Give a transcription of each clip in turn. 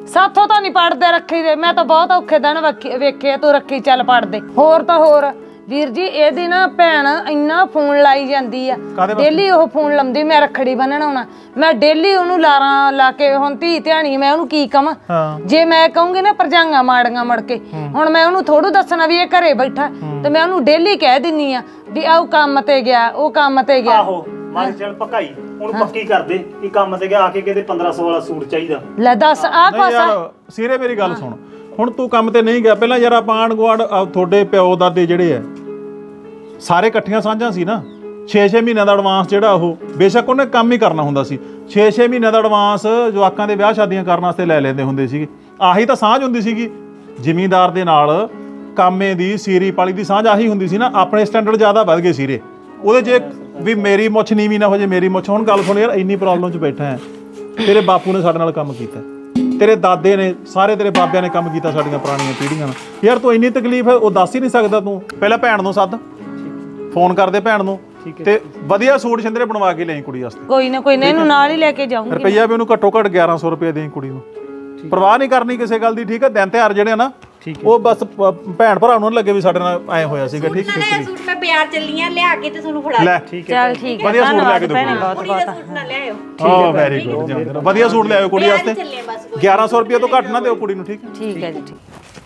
ਸਾਥੋਂ ਤਾਂ ਨਹੀਂ ਪੜਦੇ ਰੱਖੀ ਦੇ। ਮੈਂ ਤਾਂ ਬਹੁਤ ਔਖੇ ਦਿਨ ਵੇਖੇ ਤੂੰ ਰੱਖੀ ਚੱਲ ਪੜਦੇ। ਹੋਰ ਤਾਂ ਹੋਰ ਵੀਰ ਜੀ ਇਹਦੀ ਨਾ ਭੈਣ ਇੰਨਾ ਫੋਨ ਲਾਈ ਜਾਂਦੀ ਆ ਡੇਲੀ। ਉਹ ਫੋਨ ਲਾਉਂਦੀ ਮੈਂ ਰੱਖੜੀ ਬੰਨਣ ਆਉਣਾ। ਮੈਂ ਡੇਲੀ ਉਹਨੂੰ ਲਾਰਾਂ ਲਾ ਕੇ ਹੁਣ ਧੀ ਧਿਆਣੀ ਮੈਂ ਉਹਨੂੰ ਕੀ ਕਵਾਂ। ਜੇ ਮੈਂ ਕਹੂੰਗੀ ਨਾ ਭਰਜਾਈਆਂ ਮਾੜੀਆਂ ਮੁੜ ਕੇ ਹੁਣ ਮੈਂ ਉਹਨੂੰ ਥੋੜੂ ਦੱਸਣਾ ਵੀ ਇਹ ਘਰੇ ਬੈਠਾ ਤੇ ਮੈਂ ਉਹਨੂੰ ਡੇਲੀ ਕਹਿ ਦਿੰਨੀ ਆ ਵੀ ਆਹ ਕੰਮ ਤੇ ਗਿਆ ਉਹ ਕੰਮ ਤੇ ਗਿਆ। ਆਹੋ ਮਾਰ ਚੱਲ ਪਕਾਈ ਉਹਨੂੰ ਪੱਕੀ ਕਰ ਦੇ ਕਿ ਕੰਮ ਤੇ ਗਿਆ ਆ ਕੇ ਕਿਤੇ 1500 ਵਾਲਾ ਸੂਟ ਚਾਹੀਦਾ। ਲੈ ਦੱਸ ਆਹ ਕੋਸਾ ਸੀਰੇ ਮੇਰੀ ਗੱਲ ਸੁਣ। ਹੁਣ ਤੂੰ ਕੰਮ ਤੇ ਨਹੀਂ ਗਿਆ ਪਹਿਲਾਂ ਯਾਰ ਆਪਾਂ ਆਂਢ ਗੁਆਂਢ ਤੁਹਾਡੇ ਪਿਓ ਦਾਦੇ ਜਿਹੜੇ ਆ ਸਾਰੇ ਇਕੱਠੀਆਂ ਸਾਂਝਾਂ ਸੀ ਨਾ। 6-6 ਮਹੀਨਿਆਂ ਦਾ ਐਡਵਾਂਸ ਜਿਹੜਾ ਉਹ ਬੇਸ਼ੱਕ ਉਹਨੇ ਕੰਮ ਹੀ ਕਰਨਾ ਹੁੰਦਾ ਸੀ 6-6 ਮਹੀਨਿਆਂ ਦਾ ਐਡਵਾਂਸ ਜਵਾਕਾਂ ਦੇ ਵਿਆਹ ਸ਼ਾਦੀਆਂ ਕਰਨ ਵਾਸਤੇ ਲੈ ਲੈਂਦੇ ਹੁੰਦੇ ਸੀਗੇ। ਆਹੀ ਤਾਂ ਸਾਂਝ ਹੁੰਦੀ ਸੀਗੀ ਜ਼ਿਮੀਂਦਾਰ ਦੇ ਨਾਲ ਕਾਮੇ ਦੀ ਸੀਰੀ ਪਾਲੀ ਦੀ ਸਾਂਝ ਆਹੀ ਹੁੰਦੀ ਸੀ ਨਾ। ਆਪਣੇ ਸਟੈਂਡਰਡ ਜ਼ਿਆਦਾ ਵੱਧ ਗਏ ਸੀਰੇ ਉਹਦੇ 'ਚ ਵੀ ਮੇਰੀ ਮੁੱਛ ਨੀਵੀਂ ਨਾ ਹੋ ਜੇ ਮੇਰੀ ਮੁੱਛ। ਹੁਣ ਗੱਲ ਸੁਣ ਯਾਰ ਇੰਨੀ ਪ੍ਰੋਬਲਮ 'ਚ ਬੈਠਾ ਹੈ। ਤੇਰੇ ਬਾਪੂ ਨੇ ਸਾਡੇ ਨਾਲ ਕੰਮ ਕੀਤਾ ਤੇਰੇ ਦਾਦੇ ਨੇ ਸਾਰੇ ਤੇਰੇ ਬਾਬਿਆਂ ਨੇ ਕੰਮ ਕੀਤਾ ਸਾਡੀਆਂ ਪੁਰਾਣੀਆਂ ਪੀੜ੍ਹੀਆਂ ਨਾਲ। ਯਾਰ ਤੂੰ ਇੰਨੀ ਤਕਲੀਫ ਹੈ ਉਹ ਦੱਸ ਹੀ ਨਹੀਂ ਸਕਦਾ ਤੂੰ। ਪਹਿਲਾਂ ਭੈਣ ਨੂੰ ਸੱਦ ਫੋਨ ਕਰਦੇ ਭੈਣ ਨੂੰ ਤੇ ਵਧੀਆ ਸੂਟ ਸਿੰਦਰੇ ਬਣਵਾ ਕੇ ਲਿਆਈ ਕੁੜੀ ਵਾਸਤੇ। ਕੋਈ ਨਾ ਇਹਨੂੰ ਨਾਲ ਹੀ ਲੈ ਕੇ ਜਾਊਂਗੀ। ਰੁਪਈਆ ਵੀ ਉਹਨੂੰ ਘੱਟੋ ਘੱਟ 1100 ਰੁਪਏ ਦੇਈ ਕੁੜੀ ਨੂੰ। ਪਰਵਾਹ ਨਹੀਂ ਕਰਨੀ ਕਿਸੇ ਗੱਲ ਦੀ ਠੀਕ ਹੈ। ਦਿਨ ਤਿਉਹਾਰ ਜਿਹੜੇ ਨਾ ਉਹ ਬਸ ਭੈਣ ਭਰਾ ਨੂੰ ਲੱਗੇ ਵੀ ਸਾਡੇ ਨਾਲ ਐ ਹੋਇਆ ਸੀਗਾ। ਠੀਕ ਹੈ ਸੂਟ ਮੈਂ ਬਾਜ਼ਾਰ ਚੱਲੀ ਆ ਲਿਆ ਕੇ ਤੇ ਤੁਹਾਨੂੰ ਫੜਾ ਲੈ ਚੱਲ ਠੀਕ ਹੈ ਵਧੀਆ ਸੂਟ ਲਿਆ ਕੇ ਦਿਓ ਬਹੁਤ ਕੁੜੀ ਦਾ ਸੂਟ ਨਾ ਲਿਆਇਓ। ਹਾਂ ਵੈਰੀ ਗੁੱਡ ਵਧੀਆ ਸੂਟ ਲਿਆਇਓ ਕੁੜੀ ਵਾਸਤੇ। 1100 ਰੁਪਏ ਤੋਂ ਘੱਟ ਨਾ ਦਿਓ ਕੁੜੀ ਨੂੰ। ਠੀਕ ਹੈ ਠੀਕ ਹੈ ਜੀ ਠੀਕ।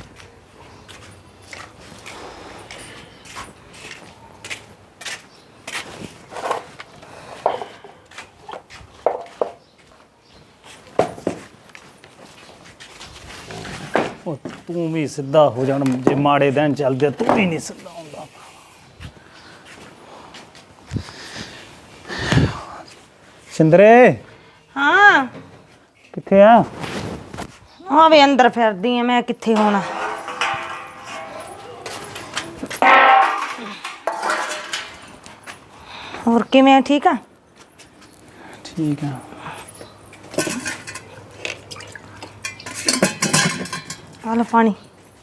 ਤੂੰ ਵੀ ਸਿੱਧਾ ਹੋ ਜਾਣ ਜੇ ਮਾੜੇ ਦਿਨ ਚੱਲਦੇ ਤੂੰ ਵੀ ਨਹੀਂ ਸਿੱਧਾ ਹੁੰਦਾ। ਸਿੰਦਰੇ ਹਾਂ ਕਿੱਥੇ ਆ? ਹਾਂ ਵੇ ਅੰਦਰ ਫਿਰਦੀ ਆ ਮੈਂ ਕਿੱਥੇ ਹੋਣਾ। ਹੋਰ ਕਿਵੇਂ ਆ ਠੀਕ ਆ? ਠੀਕ ਆ। ਆ ਲੈ ਪਾਣੀ।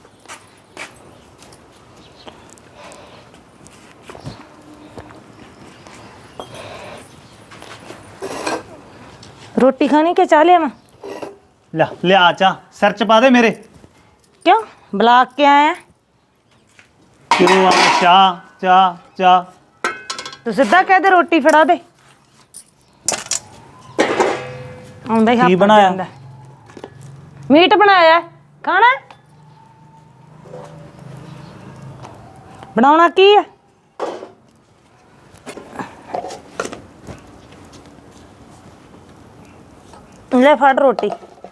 ਰੋਟੀ ਖਾਣੀ ਕਿ ਚਾਹ ਲਿਆਵਾਂ? ਲਿਆ ਚਾ ਸਿਰ ਚ ਪਾ ਦੇ ਮੇਰੇ। ਕਿਉਂ ਬੁਲਾ ਕੇ ਆਇਆ? ਕਿਉਂ ਆ ਚਾਹ ਤੂੰ ਸਿੱਧਾ ਕਹਿ ਦੇ ਰੋਟੀ ਫੜਾ ਦੇ। ਆਉਂਦਾ ਹੀ ਕੀ ਬਣਾਇਆ? ਮੀਟ ਬਣਾਇਆ ਖਾਣਾ ਬਣਾਉਣਾ ਕੀ ਹੈ? ਲੈ ਫੜ ਰੋਟੀ।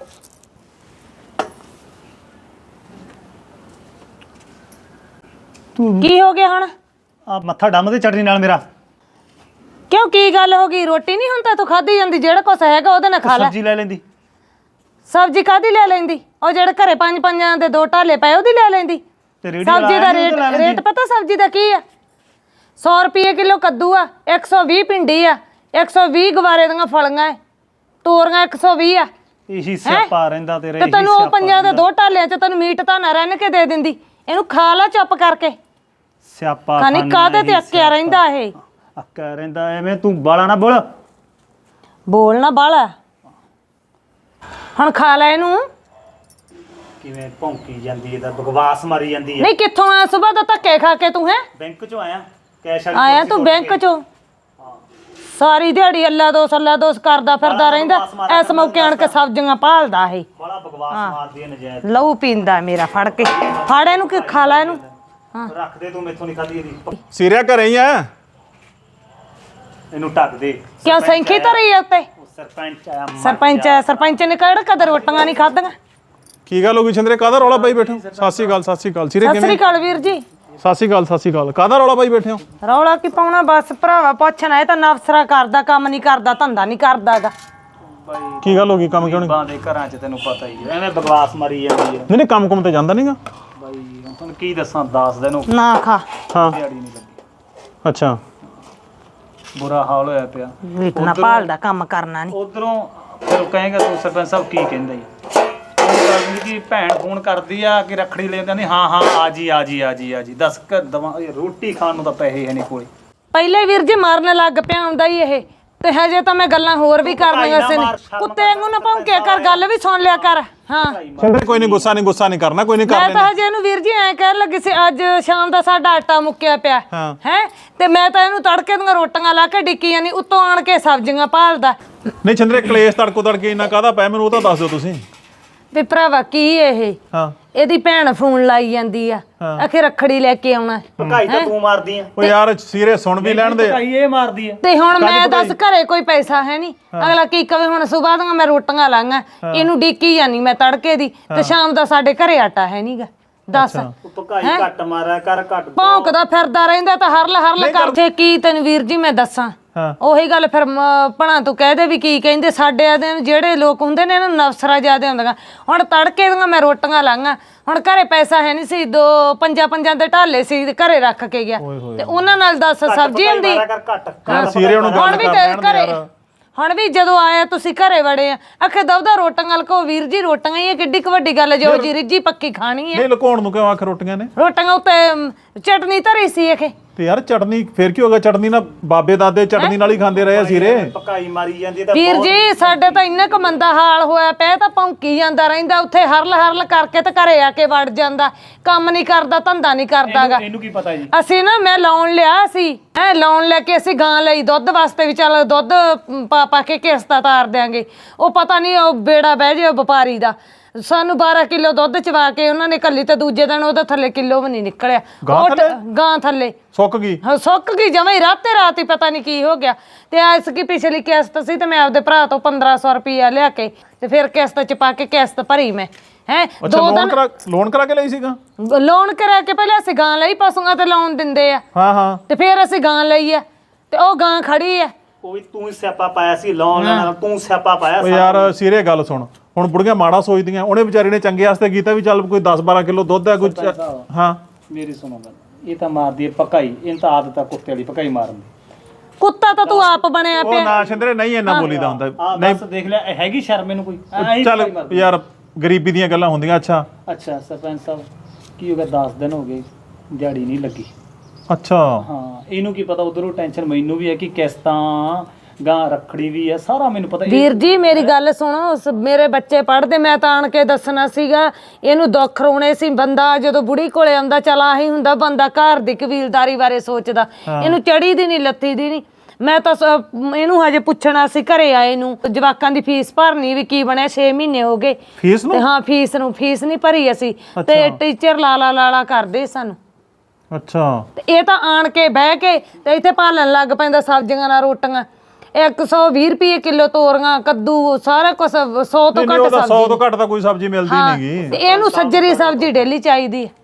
ਕੀ ਹੋ ਗਿਆ ਹੁਣ? ਆ ਮੱਥਾ ਡੰਮ ਦੇ ਚਟਨੀ ਨਾਲ ਮੇਰਾ। ਕਿਉਂ ਕੀ ਗੱਲ ਹੋ ਗਈ? ਰੋਟੀ ਨਹੀਂ ਹੁਣ ਤਾਂ ਤੂੰ ਖਾਧੀ ਜਾਂਦੀ ਜਿਹੜਾ ਕੁਛ ਹੈਗਾ ਉਹਦੇ ਨਾਲ ਖਾ ਲੈ। ਸਬਜ਼ੀ ਲੈ ਲੈਂਦੀ। ਸਬਜ਼ੀ ਕਾਹਦੀ ਲੈ ਲੈਂਦੀ? ਉਹ ਜਿਹੜੇ ਘਰੇ 5-5 ਦੇ 2 ਢਾਲੇ ਪਏ ਉਹਦੀ ਲੈ ਲੈਂਦੀ। ਸਬਜ਼ੀ ਦਾ ਰੇਟ ਪਤਾ ਸਬਜ਼ੀ ਦਾ ਕੀ ਆ? 100 ਰੁਪਏ ਕਿਲੋ ਕੱਦੂ ਆ, 120 ਭਿੰਡੀ ਆ, 120 ਗਵਾਰੇ ਦੀਆਂ ਫਲੀਆਂ, ਤੋਰੀਆਂ 120 ਆ। ਇਹੀ ਸਿਆਪਾ ਰਹਿੰਦਾ ਤੇਰੇ। ਤੇ ਤੈਨੂੰ ਉਹ 5 ਦੇ 2 ਢਾਲਿਆਂ ਚ ਤੈਨੂੰ ਮੀਟ ਤਾਂ ਨਾ ਰਹਿਣ ਕੇ ਦੇ ਦਿੰਦੀ। ਇਹਨੂੰ ਖਾ ਲੈ ਚੁੱਪ ਕਰਕੇ। ਸਿਆਪਾ ਖਾਣੀ ਕਾਹਦੇ ਤੇ ਅੱਕਿਆ ਰਹਿੰਦਾ ਇਹ? ਅੱਕਿਆ ਰਹਿੰਦਾ ਐਵੇਂ ਤੂੰ ਬਾਲਾ ਨਾ ਬੋਲ। ਬੋਲਣਾ ਬਾਲਾ। ਹੁਣ ਖਾ ਲੈ ਇਹਨੂੰ। ਕਿਵੇਂ ਭੌਂਕੀ ਜਾਂਦੀ ਹੈ ਤਾਂ ਬਕਵਾਸ ਮਾਰੀ ਜਾਂਦੀ ਹੈ। ਨਹੀਂ ਕਿੱਥੋਂ ਆਇਆ ਸਵੇਰ ਦਾ ਧੱਕੇ ਖਾ ਕੇ ਤੂੰ? ਹੈ ਬੈਂਕ ਚੋਂ ਆਇਆ ਕੈਸ਼ ਵਾਲੀ ਆਇਆ ਤੂੰ ਬੈਂਕ ਚੋਂ? ਸਾਰੀ ਦਿਹਾੜੀ ਅੱਲਾ ਦੋਸ ਕਰਦਾ ਫਿਰਦਾ ਰਹਿੰਦਾ। ਇਸ ਮੌਕੇ ਆਣ ਕੇ ਸਬਜ਼ੀਆਂ ਭਾਲਦਾ ਇਹ। ਬੜਾ ਬਕਵਾਸ ਮਾਰਦੀ ਹੈ ਨਜਾਇਜ਼। ਲਹੂ ਪੀਂਦਾ ਮੇਰਾ ਫੜ ਕੇ। ਫੜ ਇਹਨੂੰ ਕਿ ਖਾ ਲੈ ਇਹਨੂੰ। ਰੱਖ ਦੇ ਤੂੰ ਮੈਥੋਂ ਨਹੀਂ ਖਾਦੀ ਇਹਦੀ। ਸੀਰਿਆ ਘਰੇ ਹੀ ਆ? ਇਹਨੂੰ ਢੱਕ ਦੇ। ਕਿਉਂ ਸੈਂਖੀ ਧਰੀ ਆ ਉੱਤੇ? ਸਰਪੰਚ ਆਇਆ। ਸਰਪੰਚ ਨੇ ਕਿਹੜਾ ਕਦਰ ਰੋਟੀਆਂ ਨਹੀਂ ਖਾਧੀਆਂ? ਕੀ ਗੱਲ ਹੋ ਗਈ ਸਿੰਦਰੇ ਕਾਹਦਾ ਰੌਲਾ ਪਾਈ ਬੈਠੇ ਹੋ? ਸਤਿ ਸ਼੍ਰੀ ਅਕਾਲ ਸੀਰੇ ਸਤਿ ਸ੍ਰੀ ਅਕਾਲ ਵੀਰ ਜੀ। ਸਤਿ ਸ਼੍ਰੀ ਅਕਾਲ ਕਾਹਦਾ ਰੌਲਾ ਪਾਈ ਬੈਠੇ ਹੋ? ਰੌਲਾ ਕੀ ਪਾਉਣਾ ਬਸ ਭਰਾਵਾ ਪੁੱਛਣਾ। ਇਹ ਤਾਂ ਨਫਸਰਾ ਕਰਦਾ ਕੰਮ ਨਹੀਂ ਕਰਦਾ ਧੰਦਾ ਨਹੀਂ ਕਰਦਾਗਾ। ਕੀ ਗੱਲ ਹੋ ਗਈ ਕੰਮ ਕਿਉਂ ਨਹੀਂ? ਬਾਂਦੇ ਘਰਾਂ 'ਚ ਤੈਨੂੰ ਪਤਾ ਹੀ ਹੈ ਐਵੇਂ ਬਕਵਾਸ ਮਾਰੀ ਜਾਂਦੀ ਹੈ। ਨਹੀਂ ਕੰਮ ਕੁਮ ਤੇ ਜਾਂਦਾ ਨਹੀਂਗਾ ਬਾਈ ਹੁਣ ਤੁਹਾਨੂੰ ਕੀ ਦੱਸਾਂ 10 ਦਿਨ ਹੋ ਗਏ ਨਾ ਖਾ। ਹਾਂ ਦਿਹਾੜੀ ਨਹੀਂ ਲੱਗੀ। ਅੱਛਾ ਬੁਰਾ ਹਾਲ ਹੋਇਆ ਪਿਆ। ਮੀਟ ਨਾ ਭਾਲਦਾ ਕੰਮ ਕਰਨਾ ਨਹੀਂ। ਉਧਰੋਂ ਫਿਰ ਉਹ ਕਹੇਗਾ ਤੂੰ ਸਰਪੰਚ ਸਾਹਿਬ ਕੀ ਕਹਿੰਦਾ ਜੀ? ਉਹ ਕਹਿੰਦੀ ਕਿ ਭੈਣ ਫੋਨ ਕਰਦੀ ਆ ਕਿ ਰੱਖੜੀ ਲੈ ਜਾਂਦੀ। ਹਾਂ ਆ ਜੀ ਦੱਸ ਕਰ ਦਵਾਂ। ਰੋਟੀ ਖਾਣ ਨੂੰ ਤਾਂ ਪੈਸੇ ਹੈ ਨਹੀਂ ਕੋਲੇ। ਪਹਿਲੇ ਵੀਰ ਜੀ ਮਾਰਨ ਲੱਗ ਪਿਆ ਆਉਂਦਾ ਹੀ ਇਹ ਤੇ ਹਜੇ ਤਾਂ ਮੈਂ ਗੱਲਾਂ ਹੋਰ ਵੀ ਕਰਨੀਆਂ ਸੀ ਨੇ ਕੁੱਤੇ ਵਾਂਗੂ ਨਾ ਭੌਂਕਿਆ ਕਰ ਗੱਲ ਵੀ ਸੁਣ ਲਿਆ ਕਰ ਹਾਂ ਸਿੰਦਰੇ ਕੋਈ ਨਹੀਂ ਗੁੱਸਾ ਨਹੀਂ ਕਰਨਾ ਕੋਈ ਨਹੀਂ ਕਰ ਮੈਂ ਤਾਂ ਹਜੇ ਇਹਨੂੰ ਵੀਰ ਜੀ ਐਂ ਕਹਿਣ ਲੱਗੀ ਸੀ ਅੱਜ ਸ਼ਾਮ ਦਾ ਸਾਡਾ ਆਟਾ ਮੁੱਕਿਆ ਪਿਆ ਹਾਂ। ਹੈ ਤੇ ਮੈਂ ਤਾਂ ਇਹਨੂੰ ਤੜਕੇ ਦੀਆਂ ਰੋਟੀਆਂ ਲਾ ਕੇ ਡਿੱਕੀਆਂ ਨਹੀਂ ਉੱਤੋਂ ਆਣ ਕੇ ਸਬਜ਼ੀਆਂ ਭਾਲਦਾ ਨਹੀਂ ਸਿੰਦਰੇ ਕਲੇਸ਼ ਤੜਕੇ ਇੰਨਾ ਕਾਹਦਾ ਪਿਆ ਮੈਨੂੰ ਉਹ ਤਾਂ ਦੱਸ ਦਿਓ ਤੁਸੀਂ ਵੀ ਭਰਾਵਾ ਕੀ ਇਹ ਹਾਂ ਇਹਦੀ ਭੈਣ ਫੋਨ ਲਾਈ ਜਾਂਦੀ ਆ ਆਖੇ ਰੱਖੜੀ ਲੈ ਕੇ ਆਉਣਾ ਭਕਾਈ ਤਾਂ ਤੂੰ ਮਾਰਦੀ ਆ ਓ ਯਾਰ ਸੀਰੇ ਸੁਣ ਵੀ ਲੈਣ ਦੇ ਭਕਾਈ ਇਹ ਮਾਰਦੀ ਆ ਤੇ ਹੁਣ ਮੈਂ ਦੱਸ ਘਰੇ ਕੋਈ ਪੈਸਾ ਹੈ ਨਹੀਂ ਅਗਲਾ ਕੀ ਕਵੇ ਹੁਣ ਸੁਬਾਹ ਦੀਆਂ ਮੈਂ ਰੋਟੀਆਂ ਲਾਂਗਾ ਇਹਨੂੰ ਡਿੱਕੀ ਜਾਨੀ ਮੈਂ ਤੜਕੇ ਦੀ ਤੇ ਸ਼ਾਮ ਦਾ ਸਾਡੇ ਘਰੇ ਆਟਾ ਹੈ ਨਹੀਂਗਾ ਦੱਸ ਭਕਾਈ ਘੱਟ ਮਾਰਿਆ ਕਰ ਘੱਟ ਭੌਂਕਦਾ ਫਿਰਦਾ ਰਹਿੰਦਾ ਤਾਂ ਹਰਲ ਕਰਦੇ ਕੀ ਤੈਨੂੰ ਵੀਰ ਜੀ ਮੈਂ ਦੱਸਾਂ ਉਹੀ ਗੱਲ ਫਿਰ ਭਣਾ ਤੂੰ ਕਹਿ ਦੇ ਵੀ ਕੀ ਕਹਿੰਦੇ ਸਾਡੇ ਆਦੇ ਜਿਹੜੇ ਲੋਕ ਹੁੰਦੇ ਨੇ ਇਹਨਾਂ ਨੂੰ ਨਫਸਰਾ ਜ਼ਿਆਦਾ ਹੁੰਦੀਆਂ ਹੁਣ ਤੜਕੇ ਦੀਆਂ ਮੈਂ ਰੋਟੀਆਂ ਲਾਂਗਾ ਹੁਣ ਘਰੇ ਪੈਸਾ ਹੈ ਨਹੀਂ ਸੀ ਪੰਜਾਂ ਦੇ ਢਾਲੇ ਸੀ ਘਰੇ ਰੱਖ ਕੇ ਗਿਆ ਤੇ ਉਹਨਾਂ ਨਾਲ ਦੱਸ ਸਬਜ਼ੀ ਹੁੰਦੀ ਸੀਰੇ ਉਹਨੂੰ ਗੱਲ ਕਰ ਲੈਣ ਦੇ ਯਾਰ ਹੁਣ ਵੀ ਜਦੋਂ ਆਇਆ ਤੁਸੀਂ ਘਰੇ ਵੜੇ ਆ ਆਖੇ ਦਵਦਾ ਰੋਟੀਆਂ ਲਕੋ ਵੀਰ ਜੀ ਰੋਟੀਆਂ ਹੀ ਕਿੱਡੀ ਕੁ ਵੱਡੀ ਗੱਲ ਜੋ ਜੀ ਰਿੱਜੀ ਪੱਕੀ ਖਾਣੀ ਹੈ ਨਹੀਂ ਲੁਕਾਉਣ ਨੂੰ ਕਿਉਂ ਆਖ ਰੋਟੀਆਂ ਨੇ ਰੋਟੀਆਂ ਉੱਤੇ ਚਟਨੀ ਧਰੀ ਸੀ ਇਹ ਤੇ ਯਾਰ ਚਟਨੀ ਫੇਰ ਕੀ ਹੋ ਗਿਆ ਚਟਨੀ ਨਾਲ ਬਾਬੇ ਦਾਦੇ ਚਟਨੀ ਨਾਲ ਹੀ ਖਾਂਦੇ ਰਹੇ ਆ ਸੀਰੇ ਭਕਾਈ ਮਾਰੀ ਜਾਂਦੀ ਤਾਂ ਵੀਰ ਜੀ ਸਾਡੇ ਤਾਂ ਇੰਨਾ ਕੁ ਮੰਦਾ ਹਾਲ ਹੋਇਆ ਪਿਆ ਤਾਂ ਭੌਂਕੀ ਜਾਂਦਾ ਰਹਿੰਦਾ ਉੱਥੇ ਹਰਲ ਕਰਕੇ ਤੇ ਘਰੇ ਆ ਕੇ ਵੜ ਜਾਂਦਾ ਕੰਮ ਨਹੀਂ ਕਰਦਾ ਧੰਦਾ ਨਹੀਂ ਕਰਦਾਗਾ ਇਹਨੂੰ ਕੀ ਪਤਾ ਜੀ ਅਸੀਂ ਨਾ ਮੈਂ ਲੋਨ ਲਿਆ ਸੀ ਲੋਨ ਲੈ ਕੇ ਅਸੀਂ ਗਾਂ ਲਈ ਦੁੱਧ ਵਾਸਤੇ ਵੀ ਚੱਲ ਦੁੱਧ ਪਾ ਕੇ ਕਿਸ਼ਤਾਂ ਤਾਰ ਦਿਆਂਗੇ ਉਹ ਪਤਾ ਨਹੀਂ ਉਹ ਬੇੜਾ ਬਹਿ ਜੇ ਵਪਾਰੀ ਦਾ ਸਾਨੂੰ 12 ਕਿਲੋ ਦੁੱਧ ਚਵਾ ਕੇ ਉਹਨਾਂ ਨੇ ਕੱਲੀ ਤੇ ਦੂਜੇ ਦਿਨ ਉਹਦੇ ਥੱਲੇ ਕਿਲੋ ਵੀ ਨਹੀਂ ਨਿਕਲਿਆ ਗਾਂ ਥੱਲੇ ਸੁੱਕ ਗਈ ਹਾਂ ਸੁੱਕ ਗਈ ਜਮਾਂ ਹੀ ਰਾਤ ਹੀ ਪਤਾ ਨਹੀਂ ਕੀ ਹੋ ਗਿਆ ਤੇ ਐਸ ਕੀ ਪਿਛਲੀ ਕਿਸ਼ਤ ਸੀ ਤੇ ਮੈਂ ਆਪਦੇ ਭਰਾ ਤੋਂ 1500 ਰੁਪਇਆ ਲਿਆ ਕੇ ਤੇ ਫਿਰ ਕਿਸ਼ਤ ਚ ਪਾ ਕੇ ਕਿਸ਼ਤ ਭਰੀ ਮੈਂ ਹੈ ਲੋਨ ਕਰਾ ਕੇ ਲਈ ਸੀਗਾ ਲੋਨ ਕਰਾ ਕੇ ਪਹਿਲਾਂ ਅਸੀਂ ਗਾਂ ਲਈ ਪਸ਼ੂਆਂ ਤੇ ਲੋਨ ਦਿੰਦੇ ਆ ਹਾਂ ਤੇ ਫਿਰ ਅਸੀਂ ਗਾਂ ਲਈ ਆ ਤੇ ਉਹ ਗਾਂ ਖੜੀ ਆ ਉਹ ਵੀ ਤੂੰ ਸਿਆਪਾ ਪਾਇਆ ਸੀ ਲੋਨ ਲੈਣਾ ਤੂੰ ਸਿਆਪਾ ਪਾਇਆ ਓ ਯਾਰ ਸੀਰੇ ਗੱਲ ਸੁਣ ਹੁਣ ਬੁੜੀਆਂ ਮਾੜਾ ਸੋਚਦੀਆਂ ਉਹਨੇ ਵਿਚਾਰੀ ਨੇ ਚੰਗੇ ਵਾਸਤੇ ਕੀਤਾ ਵੀ ਚੱਲ ਕੋਈ 10-12 ਕਿਲੋ ਦੁੱਧ ਹੈ ਕੋਈ ਹਾਂ ਮੇਰੀ ਸੁਣੋ ਗੱਲ ਇਹ ਤਾਂ ਮਾਰਦੀ ਹੈ ਭਕਾਈ ਇਹ ਤਾਂ ਆਦਤ ਆ ਕੁੱਤੇ ਵਾਲੀ ਭਕਾਈ ਮਾਰਨ ਦੀ ਕੁੱਤਾ ਤਾਂ ਤੂੰ ਆਪ ਬਣਿਆ ਉਹ ਪਿਆ ਨਾ ਸਿੰਦਰੇ ਨਹੀਂ ਇੰਨਾ ਬੋਲੀਦਾ ਹੁੰਦਾ ਨਹੀਂ ਦੇਖ ਲੈ ਹੈਗੀ ਸ਼ਰਮ ਇਹਨੂੰ ਕੋਈ ਚੱਲ ਯਾਰ ਗਰੀਬੀ ਦੀਆਂ ਗੱਲਾਂ ਹੁੰਦੀਆਂ ਅੱਛਾ ਸਰਪੰਚ ਸਾਹਿਬ ਕੀ ਹੋ ਗਿਆ 10 ਦਿਨ ਹੋ ਗਏ ਦਿਹਾੜੀ ਨਹੀਂ ਲੱਗੀ ਅੱਛਾ ਹਾਂ ਇਹਨੂੰ ਕੀ ਪਤਾ ਉਧਰੋਂ ਟੈਨਸ਼ਨ ਮੈਨੂੰ ਵੀ ਹੈ ਕਿ ਕਿਸ਼ਤਾਂ ਗਾਂ ਰੱਖੜੀ ਵੀ ਹੈ ਸਾਰਾ ਮੈਨੂੰ ਪਤਾ ਵੀਰ ਜੀ ਮੇਰੀ ਗੱਲ ਸੁਣੋ ਮੇਰੇ ਬੱਚੇ ਪੜ੍ਹਦੇ ਮੈਂ ਤਾਂ ਆਣ ਕੇ ਦੱਸਣਾ ਸੀਗਾ ਇਹਨੂੰ ਦੁੱਖ ਰੋਣੇ ਸੀ ਬੰਦਾ ਜਦੋਂ ਬੁੜੀ ਕੋਲੇ ਆਉਂਦਾ ਚਲ ਆਹੀ ਹੁੰਦਾ ਬੰਦਾ ਘਰ ਦੀ ਕਬੀਲਦਾਰੀ ਬਾਰੇ ਸੋਚਦਾ ਇਹਨੂੰ ਚੜੀ ਦੀ ਨਹੀਂ ਲੱਥੀ ਦੀ ਨਹੀਂ ਮੈਂ ਤਾਂ ਇਹਨੂੰ ਹਜੇ ਪੁੱਛਣਾ ਸੀ ਘਰੇ ਆਏ ਨੂੰ ਜਵਾਕਾਂ ਦੀ ਫੀਸ ਭਰਨੀ ਵੀ ਕੀ ਬਣਿਆ 6 ਮਹੀਨੇ ਹੋ ਗਏ ਫੀਸ ਨੂੰ ਤੇ ਹਾਂ ਫੀਸ ਨਹੀਂ ਭਰੀ ਅਸੀਂ ਤੇ ਟੀਚਰ ਲਾਲਾ ਕਰਦੇ ਸਾਨੂੰ ਅੱਛਾ ਤੇ ਇਹ ਤਾਂ ਆਣ ਕੇ ਬਹਿ ਕੇ ਤੇ ਇੱਥੇ ਭਾਲਣ ਲੱਗ ਪੈਂਦਾ ਸਬਜ਼ੀਆਂ ਨਾਲ ਰੋਟੀਆਂ 120 ਰੁਪਏ ਕਿਲੋ ਤੋਰੀਆਂ ਕੱਦੂ ਸਾਰਾ ਕੁਝ 100 ਤੋਂ ਘੱਟ ਸਬਜ਼ੀ 100 ਤੋਂ ਘੱਟ ਤਾਂ ਕੋਈ ਸਬਜ਼ੀ ਮਿਲਦੀ ਨਹੀਂਗੀ ਤੇ ਇਹਨੂੰ ਸੱਜਰੀ ਸਬਜ਼ੀ ਡੇਲੀ ਚਾਹੀਦੀ ਹੈ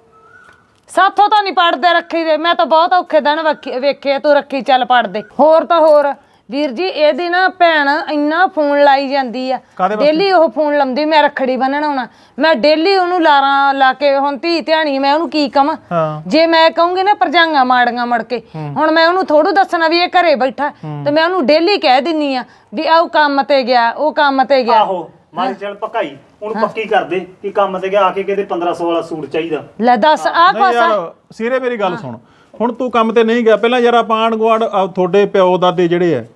ਸਾਥੋਂ ਤਾਂ ਨਹੀਂ ਪੜਦੇ ਰੱਖੀ ਦੇ ਮੈਂ ਤਾਂ ਬਹੁਤ ਔਖੇ ਦਿਨ ਵੇਖੇ ਤੂੰ ਰੱਖੀ ਚੱਲ ਪੜਦੇ ਹੋਰ ਤਾਂ ਹੋਰ ਵੀਰ ਜੀ ਇਹਦੀ ਨਾ ਭੈਣ ਇੰਨਾ ਫੋਨ ਲਾਈ ਜਾਂਦੀ ਆ ਡੇਲੀ ਉਹ ਫੋਨ ਲਾਉਂਦੀ ਮੈਂ ਰੱਖੜੀ ਬੰਨਣ ਆਉਣਾ ਮੈਂ ਡੇਲੀ ਉਹਨੂੰ ਲਾਰਾਂ ਲਾ ਕੇ ਹੁਣ ਧੀ ਧਿਆਣੀ ਮੈਂ ਉਹਨੂੰ ਕੀ ਕਵਾਂ ਜੇ ਮੈਂ ਕਹੂੰਗੀ ਨਾ ਪਰਜਾਂਗਾ ਮਾੜੀਆਂ ਮੜ ਕੇ ਹੁਣ ਮੈਂ ਉਹਨੂੰ ਥੋੜੂ ਦੱਸਣਾ ਵੀ ਇਹ ਘਰੇ ਬੈਠਾ ਤੇ ਮੈਂ ਉਹਨੂੰ ਡੇਲੀ ਕਹਿ ਦਿੰਨੀ ਆ ਵੀ ਆਹ ਕੰਮ ਤੇ ਗਿਆ ਉਹ ਕੰਮ ਤੇ ਗਿਆ ਆਹੋ ਮਾਰੀ ਚੱਲ ਭਕਾਈ ਹੁਣ ਪੱਕੀ ਕਰ ਦੇ ਕਿ ਕੰਮ ਤੇ ਗਿਆ ਆ ਕੇ ਕਿਤੇ 1500 ਵਾਲਾ ਸੂਟ ਚਾਹੀਦਾ ਲੈ ਦੱਸ ਆਹ ਨਹੀਂ ਯਾਰ ਸੀਰੇ ਮੇਰੀ ਗੱਲ ਸੁਣ ਹੁਣ ਤੂੰ ਕੰਮ ਤੇ ਨਹੀਂ ਗਿਆ ਪਹਿਲਾਂ ਯਾਰ ਆਪਾਂ ਆਂਢ ਗੁਆਂਢ ਤੁਹਾਡੇ ਪਿਓ ਦਾਦੇ ਜਿਹੜੇ ਆ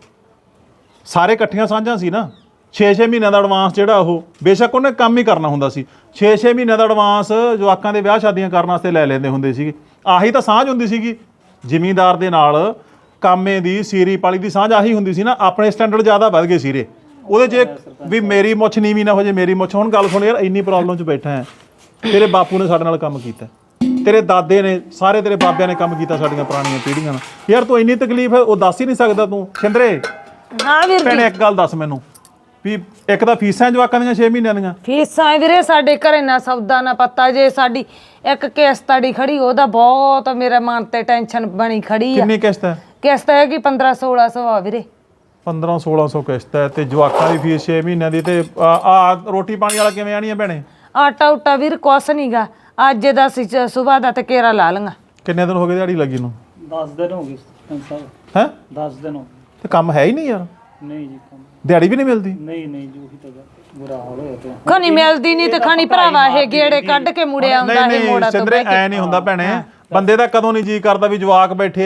ਸਾਰੇ ਇਕੱਠੀਆਂ ਸਾਂਝਾਂ ਸੀ ਨਾ 6-6 ਮਹੀਨਿਆਂ ਦਾ ਐਡਵਾਂਸ ਜਿਹੜਾ ਉਹ ਬੇਸ਼ੱਕ ਉਹਨੇ ਕੰਮ ਹੀ ਕਰਨਾ ਹੁੰਦਾ ਸੀ 6-6 ਮਹੀਨਿਆਂ ਦਾ ਐਡਵਾਂਸ ਜਵਾਕਾਂ ਦੇ ਵਿਆਹ ਸ਼ਾਦੀਆਂ ਕਰਨ ਵਾਸਤੇ ਲੈ ਲੈਂਦੇ ਹੁੰਦੇ ਸੀਗੇ ਆਹੀ ਤਾਂ ਸਾਂਝ ਹੁੰਦੀ ਸੀਗੀ ਜ਼ਿਮੀਂਦਾਰ ਦੇ ਨਾਲ ਕਾਮੇ ਦੀ ਸੀਰੀ ਪਾਲੀ ਦੀ ਸਾਂਝ ਆਹੀ ਹੁੰਦੀ ਸੀ ਨਾ ਆਪਣੇ ਸਟੈਂਡਰਡ ਜ਼ਿਆਦਾ ਵੱਧ ਗਏ ਸੀਰੇ ਉਹਦੇ 'ਚ ਵੀ ਮੇਰੀ ਮੁੱਛ ਨੀਵੀਂ ਨਾ ਹੋ ਜੇ ਮੇਰੀ ਮੁੱਛ ਹੁਣ ਗੱਲ ਸੁਣ ਯਾਰ ਇੰਨੀ ਪ੍ਰੋਬਲਮ 'ਚ ਬੈਠਾ ਹੈ ਤੇਰੇ ਬਾਪੂ ਨੇ ਸਾਡੇ ਨਾਲ ਕੰਮ ਕੀਤਾ ਤੇਰੇ ਦਾਦੇ ਨੇ ਸਾਰੇ ਤੇਰੇ ਬਾਬਿਆਂ ਨੇ ਕੰਮ ਕੀਤਾ ਸਾਡੀਆਂ ਪੁਰਾਣੀਆਂ ਪੀੜ੍ਹੀਆਂ ਨਾਲ ਯਾਰ ਤੂੰ ਇੰਨੀ ਤਕਲੀਫ ਹੈ ਉਹ ਦੱਸ ਹੀ ਨਹੀਂ ਸਕਦਾ ਤੂੰ ਸਿੰਦਰੇ ਹਾਂ ਵੀਰ ਜੀ ਭੈਣੇ ਇੱਕ ਗੱਲ ਦੱਸ ਮੈਨੂੰ ਵੀ ਇੱਕ ਤਾਂ ਫੀਸਾਂ ਜਵਾਕਾਂ ਦੀਆਂ 6 ਮਹੀਨਿਆਂ ਦੀਆਂ ਫੀਸਾਂ ਵੀਰੇ ਸਾਡੇ ਘਰੇ ਨਾ ਸੌਦਾ ਨਾ ਪੱਤਾ ਜੇ ਸਾਡੀ ਇੱਕ ਕਿਸ਼ਤ ਆੜੀ ਖੜੀ ਉਹਦਾ ਬਹੁਤ ਮੇਰੇ ਮਨ ਤੇ ਟੈਨਸ਼ਨ ਬਣੀ ਖੜੀ ਆ ਕਿੰਨੀ ਕਿਸ਼ਤ ਹੈ ਕਿਸ਼ਤ ਹੈ ਕਿ 1500-1600 ਆ ਵੀਰੇ 1500-1600 ਕਿਸ਼ਤ ਹੈ ਤੇ ਜਵਾਕਾਂ ਦੀ ਫੀਸ 6 ਮਹੀਨਿਆਂ ਦੀ ਤੇ ਆ ਰੋਟੀ ਪਾਣੀ ਵਾਲਾ ਕਿਵੇਂ ਆਣੀ ਹੈ ਭੈਣੇ ਆਟਾ ਉਟਾ ਵੀਰ ਕੁਛ ਨਹੀਂਗਾ ਅੱਜ ਦਾ ਸੀ ਸਵੇਰ ਦਾ ਤੇ ਕੇਰਾ ਲਾ ਲਵਾਂ ਕਿੰਨੇ ਦਿਨ ਹੋ ਗਏ ਦਿਹਾੜੀ ਲੱਗੀ ਨੂੰ 10 ਦਿਨ ਹੋ ਗਏ ਸਰਪੰਚ ਸਾਹਿਬ ਹੈ 10 ਦਿਨ ਹੋ ਤੇ ਕੰਮ ਹੈ ਹੀ ਨਹੀਂ ਯਾਰ ਨਹੀਂ ਜੀ ਕੰਮ ਦਿਹਾੜੀ ਵੀ ਨਹੀਂ ਮਿਲਦੀ ਨਹੀਂ ਜੀ ਉਹੀ ਤਾਂ ਬੁਰਾ ਹਾਲ ਹੋਇਆ ਪਿਆ ਖਣੀ ਮਿਲਦੀ ਨਹੀਂ ਤੇ ਖਣੀ ਭਰਾਵਾ ਇਹ ਗੇੜੇ ਕੱਢ ਕੇ ਮੁੜਿਆ ਆਉਂਦਾ ਇਹ ਮੋੜਾ ਤੋਂ ਸਿੰਦਰੇ ਐ ਨਹੀਂ ਹੁੰਦਾ ਭੈਣੇ ਬੰਦੇ ਦਾ ਕਦੋਂ ਨਹੀਂ ਜੀ ਕਰਦਾ ਵੀ ਜਵਾਕ ਬੈਠੇ ਐ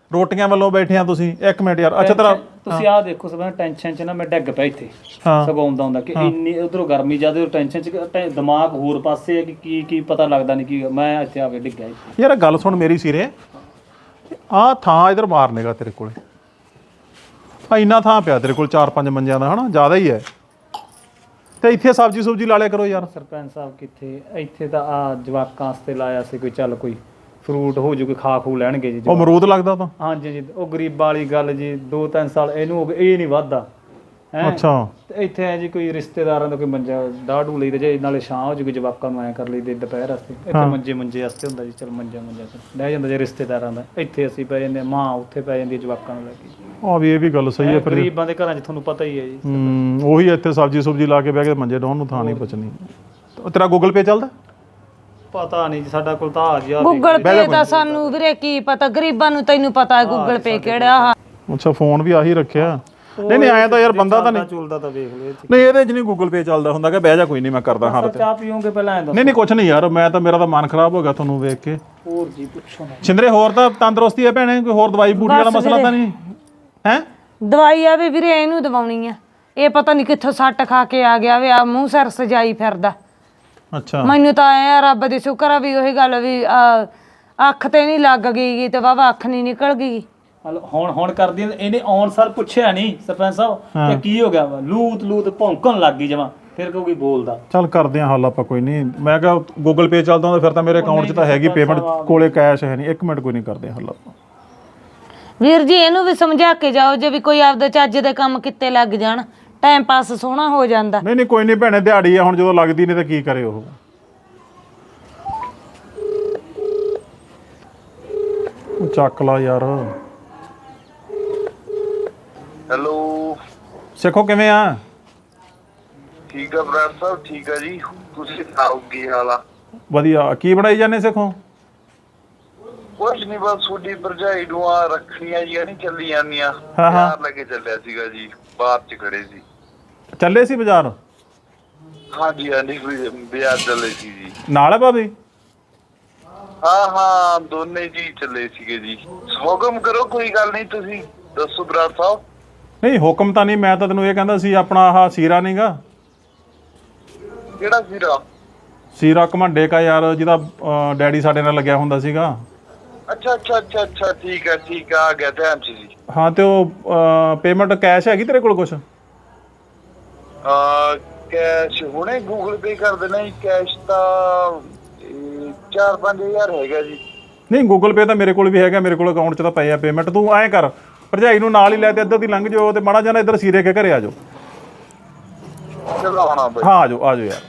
ਰੋਟੀਆਂ ਵੱਲੋਂ ਬੈਠੇ ਆ ਤੁਸੀਂ। ਇੱਕ ਮਿੰਟ ਯਾਰ, ਅੱਛਾ ਤੇਰਾ ਤੁਸੀਂ ਆਹ ਦੇਖੋ ਸਭ ਟੈਨਸ਼ਨ ਚ ਨਾ ਮੈਂ ਡਿੱਗ ਪਿਆ ਇੱਥੇ। ਹਾਂ ਸਗੋਂ ਆਉਂਦਾ ਹੁੰਦਾ ਕਿ ਇੰਨੀ ਉਧਰੋਂ ਗਰਮੀ ਜ਼ਿਆਦਾ ਟੈਨਸ਼ਨ ਚ ਦਿਮਾਗ ਹੋਰ ਪਾਸੇ ਹੈ ਕਿ ਕੀ ਪਤਾ ਲੱਗਦਾ ਨਹੀਂ ਕੀ ਮੈਂ ਇੱਥੇ ਆ ਕੇ ਡਿੱਗਿਆ ਇੱਥੇ। ਯਾਰ ਗੱਲ ਸੁਣ ਮੇਰੀ ਸਿਰੇ, ਆਹ ਥਾਂ ਇਧਰ ਮਾਰਨੇਗਾ ਤੇਰੇ ਕੋਲੇ, ਆ ਇੰਨਾ ਥਾਂ ਪਿਆ ਤੇਰੇ ਕੋਲ 4-5 ਮੰਜਿਆਂ ਦਾ, ਹਨਾ ਜ਼ਿਆਦਾ ਹੀ ਹੈ। ਤੇ ਇੱਥੇ ਸਬਜ਼ੀ ਸੁਬਜੀ ਲਾ ਲਿਆ ਕਰੋ ਯਾਰ। ਸਰਪੰਚ ਸਾਹਿਬ ਕਿੱਥੇ, ਇੱਥੇ ਤਾਂ ਆ ਜਵਾਕਾਂ ਵਾਸਤੇ ਲਾਇਆ ਸੀ ਕੋਈ, ਚੱਲ ਕੋਈ ਫਰੂਟ ਹੋ ਜੂ, ਕੋਈ ਖਾ ਖੂ ਲੈਣਗੇ ਜੀ। ਉਹ ਅਮਰੂਦ ਲੱਗਦਾ ਤਾਂ। ਹਾਂਜੀ ਜੀ, ਉਹ ਗਰੀਬਾਂ ਵਾਲੀ ਗੱਲ ਜੀ, 2-3 ਸਾਲ ਇਹਨੂੰ ਹੋ ਗਏ, ਇਹ ਨਹੀਂ ਵੱਧਦਾ ਹੈ। ਅੱਛਾ ਤੇ ਇੱਥੇ ਹੈ ਜੀ ਕੋਈ ਰਿਸ਼ਤੇਦਾਰਾਂ ਦਾ ਕੋਈ ਮੰਜਾ ਦਾੜੂ ਲਈ ਤੇ ਜੇ ਨਾਲੇ ਛਾਂ ਹੋ ਜੂਗੀ, ਜਵਾਕਾਂ ਨੂੰ ਐਂ ਕਰ ਲਈ ਦੇ ਦੁਪਹਿਰ ਵਾਸਤੇ। ਇੱਥੇ ਮੰਜੇ ਵਾਸਤੇ ਹੁੰਦਾ ਜੀ, ਚਲ ਮੰਜਾ ਲੈ ਜਾਂਦਾ ਜੇ ਰਿਸ਼ਤੇਦਾਰਾਂ ਦਾ। ਇੱਥੇ ਅਸੀਂ ਪੈ ਜਾਂਦੇ, ਮਾਂ ਉੱਥੇ ਪੈ ਜਾਂਦੀ ਜਵਾਕਾਂ ਨੂੰ ਲੈ ਕੇ। ਆ ਵੀ ਇਹ ਵੀ ਗੱਲ ਸਹੀ ਹੈ ਫਿਰ। ਗਰੀਬਾਂ ਦੇ ਘਰਾਂ 'ਚ ਤੁਹਾਨੂੰ ਪਤਾ ਹੀ ਹੈ ਜੀ। ਉਹੀ ਇੱਥੇ ਸਬਜ਼ੀ ਸੁਬਜੀ ਲਾ ਕੇ ਬਹਿ ਕੇ ਮੰਜੇ ਡਾਉਣ ਨੂੰ ਥਾਂ ਨਹੀਂ ਬਚਣੀ। ਤੇਰਾ ਗੂਗਲ ਪੇ ਚੱਲਦਾ? ਪਤਾ ਨਹੀਂ ਜੀ, ਸਾਡਾ ਕੋਲ ਤਾਂ ਆ ਜੀ। ਗੂਗਲ ਪੇ ਦਾ ਸਾਨੂੰ ਵੀਰੇ ਕੀ ਪਤਾ, ਗਰੀਬਾਂ ਨੂੰ ਤੈਨੂੰ ਪਤਾ ਹੈ ਗੂਗਲ ਪੇ ਕਿਹੜਾ ਆ। ਅੱਛਾ ਫੋਨ ਵੀ ਆਹੀ ਰੱਖਿਆ। ਨਹੀਂ ਆਇਆ ਤਾਂ ਯਾਰ ਬੰਦਾ ਤਾਂ ਨਹੀਂ ਚੁਲਦਾ ਤਾਂ ਵੇਖ ਲਿਓ। ਨਹੀਂ ਇਹਦੇ 'ਚ ਨਹੀਂ ਗੂਗਲ ਪੇ ਚੱਲਦਾ ਹੁੰਦਾ ਕਿ ਬਹਿ ਜਾ ਕੋਈ ਨਹੀਂ ਮੈਂ ਕਰਦਾ ਹਾਂ। ਚਾਹ ਪੀਓਗੇ ਪਹਿਲਾਂ ਐਂ ਦੱਸੋ। ਨਹੀਂ ਕੁਛ ਨਹੀਂ ਯਾਰ, ਮੈਂ ਤਾਂ ਮੇਰਾ ਤਾਂ ਮਨ ਖਰਾਬ ਹੋ ਗਿਆ ਤੁਹਾਨੂੰ ਵੇਖ ਕੇ। ਹੋਰ ਜੀ ਪੁੱਛੋ ਨਾ। ਛਿੰਦਰੇ ਹੋਰ ਤਾਂ ਤੰਦਰੁਸਤੀ ਹੈ ਭੈਣੇ, ਕੋਈ ਹੋਰ ਦਵਾਈ ਬੂਟੀ ਵਾਲਾ ਮਸਲਾ ਤਾਂ ਨਹੀਂ ਹੈ? ਦਵਾਈ ਆ ਵੀ ਵੀਰੇ ਇਹਨੂੰ ਦਵਾਉਣੀ ਆ, ਇਹ ਪਤਾ ਨਹੀਂ ਕਿੱਥੋਂ ਸੱਟ ਖਾ ਕੇ ਆ ਗਿਆ ਵੇ, ਆ ਮੂੰਹ ਸਿਰ ਸਜਾਈ ਫਿਰਦਾ। ਅੱਛਾ ਮੈਨੂੰ ਤਾਂ ਐ ਰੱਬ ਦੀ ਸ਼ੁਕਰ ਆ ਵੀ ਉਹੀ ਗੱਲ ਵੀ ਅੱਖ ਤੇ ਨਹੀਂ ਲੱਗ ਗਈ ਤੇ ਵਾਵਾ ਅੱਖ ਨਹੀਂ ਨਿਕਲ ਗਈ। ਹੁਣ ਕਰਦੀ ਇਹਨੇ ਆਉਣ ਸਾਰ ਪੁੱਛਿਆ ਨਹੀਂ ਸਰਪੰਚ ਸਾਹਿਬ ਇਹ ਕੀ ਹੋ ਗਿਆ ਵਾ, ਲੂਤ ਭੌਂਕਣ ਲੱਗ ਗਈ ਜਮਾ, ਫਿਰ ਕੋਈ ਬੋਲਦਾ। ਚੱਲ ਕਰਦੇ ਆ ਹੱਲ ਆਪਾਂ, ਕੋਈ ਨਹੀਂ। ਮੈਂ ਕਿਹਾ ਗੂਗਲ ਪੇ ਚੱਲਦਾ ਹੁੰਦਾ ਫਿਰ ਤਾਂ ਮੇਰੇ ਅਕਾਊਂਟ 'ਚ ਤਾਂ ਹੈਗੀ ਪੇਮੈਂਟ, ਕੋਲੇ ਕੈਸ਼ ਹੈ ਨਹੀਂ। 1 ਮਿੰਟ ਕੋਈ ਨਹੀਂ, ਕਰਦੇ ਹੱਲ ਆਪਾਂ। ਵੀਰ ਜੀ ਇਹਨੂੰ ਵੀ ਸਮਝਾ ਕੇ ਜਾਓ, ਜੇ ਵੀ ਕੋਈ ਆਪਦੇ ਚੱਜ ਦੇ ਕੰਮ ਕਿੱਤੇ ਲੱਗ ਜਾਣ, ਟਾਈਮ ਪਾਸ ਸੋਹਣਾ ਹੋ ਜਾਂਦਾ। ਨਹੀਂ ਕੋਈ ਨਹੀਂ ਭੈਣੇ, ਦਿਹਾੜੀ ਆ ਹੁਣ, ਜਦੋਂ ਲੱਗਦੀ ਨਹੀਂ ਤਾਂ ਕੀ ਕਰੇ ਉਹ। ਚੱਕ ਲਾ ਯਾਰ। ਹੈਲੋ ਸਿੱਖੋ ਕਿਵੇਂ ਆ? ਠੀਕ ਆ ਬਰਾੜ ਸਾਹਿਬ, ਠੀਕ ਆ ਜੀ। ਤੁਸੀਂ ਸੁਣਾਓ ਕੀ ਹਾਲ ਆ? ਵਧੀਆ। ਕੀ ਬਣਾਈ ਜਾਂਦੇ ਸਿੱਖੋ? ਕੁਛ ਨਹੀਂ, ਬਸ ਤੁਹਾਡੀ ਭਰਜਾਈ ਨੂੰ ਆ ਰੱਖਣੀਆਂ ਜੀ ਨਹੀਂ ਚੱਲੀ ਜਾਂਦੀਆਂ। ਹਾਂ। ਬਾਹਰ ਲੈ ਕੇ ਚੱਲਿਆ ਸੀਗਾ ਜੀ, ਬਾਹਰ ਚ ਖੜੇ ਸੀ। ਚੱਲੇ ਸੀ ਬਾਜ਼ਾਰ? ਹਾਂਜੀ ਹਾਂਜੀ, ਕੋਈ ਬਾਜ਼ਾਰ ਚੱਲੇ ਸੀ ਜੀ। ਨਾਲ ਹੈ ਭਾਬੀ? ਹਾਂ ਦੋਨੇ ਜੀ ਚੱਲੇ ਸੀਗੇ ਜੀ। ਹੁਕਮ ਕਰੋ, ਕੋਈ ਗੱਲ ਨਹੀਂ, ਤੁਸੀਂ ਦੱਸੋ ਬਰਾੜ ਸਾਹਿਬ। ਨਹੀਂ ਹੁਕਮ ਤਾਂ ਨਹੀਂ, ਮੈਂ ਤਾਂ ਤੈਨੂੰ ਇਹ ਕਹਿੰਦਾ ਸੀ ਆਪਣਾ ਆਹ ਸੀਰਾ ਨਹੀਂਗਾ? ਕਿਹੜਾ ਸੀਰਾ? ਸੀਰਾ ਘਮੰਡੇ ਕਾ ਯਾਰ, ਜਿਹਦਾ ਡੈਡੀ ਸਾਡੇ ਨਾਲ ਲੱਗਿਆ ਹੁੰਦਾ ਸੀਗਾ। ਅੱਛਾ ਠੀਕ ਆ ਗਿਆ ਧਿਆਨ ਚ ਜੀ। ਹਾਂ ਤੇ ਉਹ ਪੇਮੈਂਟ ਕੈਸ਼ ਹੈਗੀ ਤੇਰੇ ਕੋਲ ਕੁਛ? ਕੈਸ਼ ਹੁਣੇ ਗੂਗਲ ਪੇ ਕਰ ਦੇਣਾ ਜੀ। ਕੈਸ਼ ਤਾਂ 4-5 ਹਜ਼ਾਰ ਹੈਗਾ ਜੀ। ਨਹੀਂ ਗੂਗਲ ਪੇ ਤਾਂ ਮੇਰੇ ਕੋਲ ਵੀ ਹੈਗਾ, ਮੇਰੇ ਕੋਲ ਅਕਾਊਂਟ 'ਚ ਤਾਂ ਪਏ ਆ ਪੇਮੈਂਟ। ਤੂੰ ਐਂ ਕਰ, ਭਰਜਾਈ ਨੂੰ ਨਾਲ ਹੀ ਲੈ ਤੇ ਇੱਧਰ ਦੀ ਲੰਘ ਜਾਓ ਤੇ ਮਾੜਾ ਜਾਣਾ ਇੱਧਰ ਸੀਰੇ ਕੇ ਘਰੇ ਆ ਜਾਓ। ਚਲੋ ਆਉਣਾ ਬਈ। ਹਾਂ ਆ ਜਾਓ ਯਾਰ।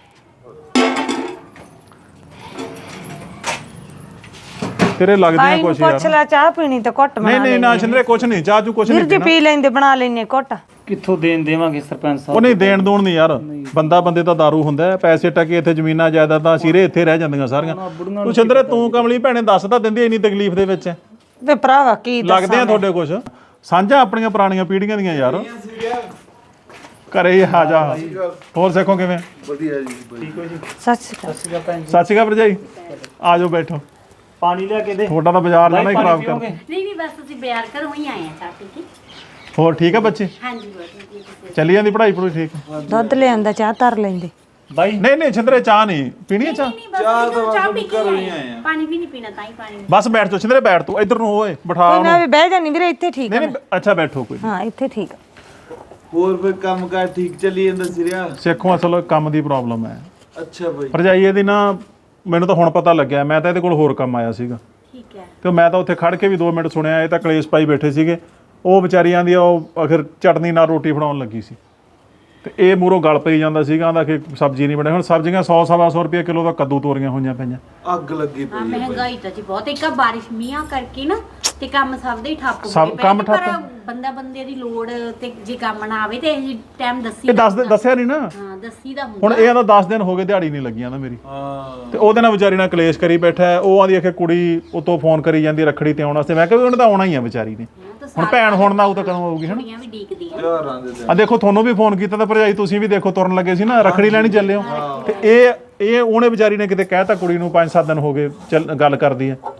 ਤੇਰੇ ਲੱਗਦੀਆਂ ਕੁਛ ਯਾਰ। ਪੁੱਛ ਲੈ, ਚਾਹ ਪੀਣੀ ਤੇ ਘੁੱਟ ਬਣਾ ਨਹੀਂ ਨਾ ਛਿੰਦਰੇ ਕੁਛ ਨਹੀਂ, ਚਾਹ ਚੂ ਕੁਛ ਨਹੀਂ ਵੀਰ ਜੀ ਪੀ ਲੈਂਦੇ, ਬਣਾ ਲੈਨੇ ਘੁੱਟ। ਕਿੱਥੋਂ ਦੇਵਾਂਗੇ ਸਰਪੰਚ ਸਾਹਿਬ? ਉਹ ਨਹੀਂ ਦੇਣ ਦੂਣ ਨਹੀਂ ਯਾਰ, ਬੰਦੇ ਦਾ ਦਾਰੂ ਹੁੰਦਾ। ਪੈਸੇ ਟਕੇ ਇੱਥੇ ਜ਼ਮੀਨਾਂ ਜਾਇਦਾਦਾਂ ਸੀਰੇ ਇੱਥੇ ਰਹਿ ਜਾਂਦੀਆਂ ਸਾਰੀਆਂ। ਤੂੰ ਛਿੰਦਰੇ ਤੂੰ ਕਮਲੀ ਭੈਣੇ ਦੱਸ ਤਾਂ ਦਿੰਦੀ ਇੰਨੀ ਤਕਲੀਫ ਦੇ ਵਿੱਚ ਵੇ ਭਰਾਵਾ ਕੀ ਲੱਗਦੇ ਆ ਤੁਹਾਡੇ ਕੁਛ ਸਾਂਝਾ ਆਪਣੀਆਂ ਪੁਰਾਣੀਆਂ ਪੀੜ੍ਹੀਆਂ ਦੀਆਂ ਯਾਰ। ਘਰੇ ਹੀ ਆ ਜਾ। ਹੋਰ ਸਿੱਖੋ ਕਿਵੇਂ? ਵਧੀਆ ਜੀ। ਠੀਕ ਹੋ ਜੀ? ਸਤਿ ਸ਼੍ਰੀ ਅਕਾਲ। ਸਤਿ ਸ਼੍ਰੀ ਅਕਾਲ ਭਰਜਾਈ, ਆ ਜਾਓ ਬੈਠੋ। ਪਾਣੀ ਲਿਆ ਕੇ ਦੇ। ਤੁਹਾਡਾ ਤਾਂ ਬਾਜ਼ਾਰ ਜਾਣਾ ਹੀ ਖਰਾਬ ਕਰ। ਨਹੀਂ ਬਸ ਤੁਸੀਂ ਬਿਆਰ ਕਰੋ ਹੀ ਆਏ ਆ ਚਾਹ ਪੀ ਕੇ। ਹੋਰ ਠੀਕ ਆ ਬੱਚੇ? ਹਾਂਜੀ ਬਹੁਤ ਚੱਲੀ ਜਾਂਦੀ ਪੜ੍ਹਾਈ ਪੜੂਈ ਠੀਕ? ਦੁੱਧ ਲਿਆਂਦਾ, ਚਾਹ ਧਰ ਲੈਂਦੇ। ਬਾਈ ਨਹੀਂ ਛਿੰਦਰੇ ਚਾਹ ਨਹੀਂ ਪੀਣੀ ਹੈ? ਚਾਹ ਚਾਹ ਪੀ ਕੇ ਆਏ ਆ। ਪਾਣੀ ਵੀ ਨਹੀਂ ਪੀਣਾ, ਤਾਂ ਹੀ ਪਾਣੀ। ਬਸ ਬੈਠ ਜਾਓ ਛਿੰਦਰੇ, ਬੈਠ ਤੂੰ ਇੱਧਰ ਨੂੰ ਹੋਏ ਬਿਠਾ ਕੋਈ ਨਾ ਵੀ ਬਹਿ ਜਾਨੀ ਵੀਰੇ, ਇੱਥੇ ਠੀਕ ਆ। ਨਹੀਂ ਅੱਛਾ ਬੈਠੋ ਕੋਈ। ਹਾਂ ਇੱਥੇ ਠੀਕ ਆ। ਹੋਰ ਫਿਰ ਕੰਮ ਕਾਰ ਠੀਕ ਚੱਲੀ ਜਾਂਦਾ ਸਿਰਿਆ? ਸਿੱਖੋ ਅਸਲ ਕੰਮ ਦੀ ਪ੍ਰੋਬਲਮ ਹੈ। ਅੱਛਾ ਬਈ। ਭਰਜਾਈ ਇਹਦੀ ਨਾ, ਮੈਨੂੰ ਤਾਂ ਹੁਣ ਪਤਾ ਲੱਗਿਆ, ਮੈਂ ਤਾਂ ਇਹਦੇ ਕੋਲ ਹੋਰ ਕੰਮ ਆਇਆ ਸੀਗਾ ਠੀਕ ਹੈ। ਤੇ ਮੈਂ ਤਾਂ ਉੱਥੇ ਖੜ ਕੇ ਵੀ 2 ਮਿੰਟ ਸੁਣਿਆ। ਇਹ ਤਾਂ ਕਲੇਸ਼ ਪਾਈ ਬੈਠੇ ਸੀਗੇ। ਉਹ ਵਿਚਾਰੀਆਂ ਦੀ ਉਹ ਆਖਿਰ ਚਟਨੀ ਨਾਲ ਰੋਟੀ ਬਣਾਉਣ ਲੱਗੀ ਸੀ ਤੇ ਇਹ ਮੂਹਰੋਂ ਗਲ ਪਈ ਜਾਂਦਾ ਸੀਗਾ, ਆਂਦਾ ਕਿ ਸਬਜ਼ੀ ਨਹੀਂ ਬਣੇ। ਹੁਣ ਸਬਜ਼ੀਆਂ 100-125 ਰੁਪਏ ਕਿਲੋ ਦਾ ਕੱਦੂ ਤੋਰੀਆਂ ਹੋਈਆਂ ਪਈਆਂ। ਅੱਗ ਲੱਗੀ ਹਾਂ ਪਈ ਮਹਿੰਗਾਈ ਤਾਂ ਜੀ ਬਹੁਤ, ਇੱਕ ਬਾਰਿਸ਼ ਮੀਂਹਾਂ ਕਰਕੇ ਨਾ ਤੇ ਕੰਮ ਸਭ ਦੇ ਹੀ ਠੱਪ ਹੋ ਸਭ ਗਏ ਕੰਮ ਪਰ ਠੱਪ। ਬੰਦੇ ਦੀ ਲੋੜ ਤੇ ਜੇ ਕੰਮ ਨਾ ਆਵੇ ਤੇ ਇਹ ਟਾਈਮ ਦੱਸੀ ਇਹ ਦੱਸਿਆ ਨਹੀਂ ਨਾ। ਹਾਂ ਦੱਸੀ ਦਾ ਹੁੰਦਾ। ਹੁਣ ਇਹ ਆਂਦਾ 10 ਦਿਨ ਹੋ ਗਏ ਦਿਹਾੜੀ ਨਹੀਂ ਲੱਗੀਆਂ ਨਾ ਮੇਰੀ। ਹਾਂ। ਤੇ ਉਹਦੇ ਨਾਲ ਵਿਚਾਰੀ ਨਾਲ ਕਲੇਸ਼ ਕਰੀ ਬੈਠਾ ਹੈ। ਉਹ ਆਂਦੀ ਆਖੇ ਕੁੜੀ ਉਤੋਂ ਫੋਨ ਕਰੀ ਜਾਂਦੀ ਰੱਖੜੀ ਤੇ ਆਉਣ ਵਾਸਤੇ। ਮੈਂ ਕਿਹਾ ਵੀ ਉਹਨੇ ਤਾਂ ਆਉਣਾ ਹੀ ਆ ਵਿਚਾਰੀ ਨੇ। ਹੁਣ ਭੈਣ ਹੁਣ ਨਾ ਆਊ ਤਾਂ ਕਦੋਂ ਆਊਗੀ? ਹਨਾ ਕੁੜੀਆਂ ਵੀ ਡੀਕਦੀਆਂ। ਯਾਰਾਂ ਦੇ ਆ ਦੇਖੋ ਤੁਹਾਨੂੰ ਵੀ ਫੋਨ ਕੀਤਾ ਤਾਂ ਭਰਜਾਈ ਤੁਸੀਂ ਵੀ ਦੇਖੋ ਤੁਰਨ ਲੱਗੇ ਸੀ ਨਾ, ਰੱਖੜੀ ਲੈਣੀ ਚੱਲੇ ਹੋ। ਤੇ ਇਹ ਉਹਨੇ ਵਿਚਾਰੀ ਨੇ ਕਿਤੇ ਕਹਿਤਾ ਕੁੜੀ ਨੂੰ 5-7 ਦਿਨ ਹੋ ਗਏ ਗੱਲ ਕਰਦੀ ਹੈ।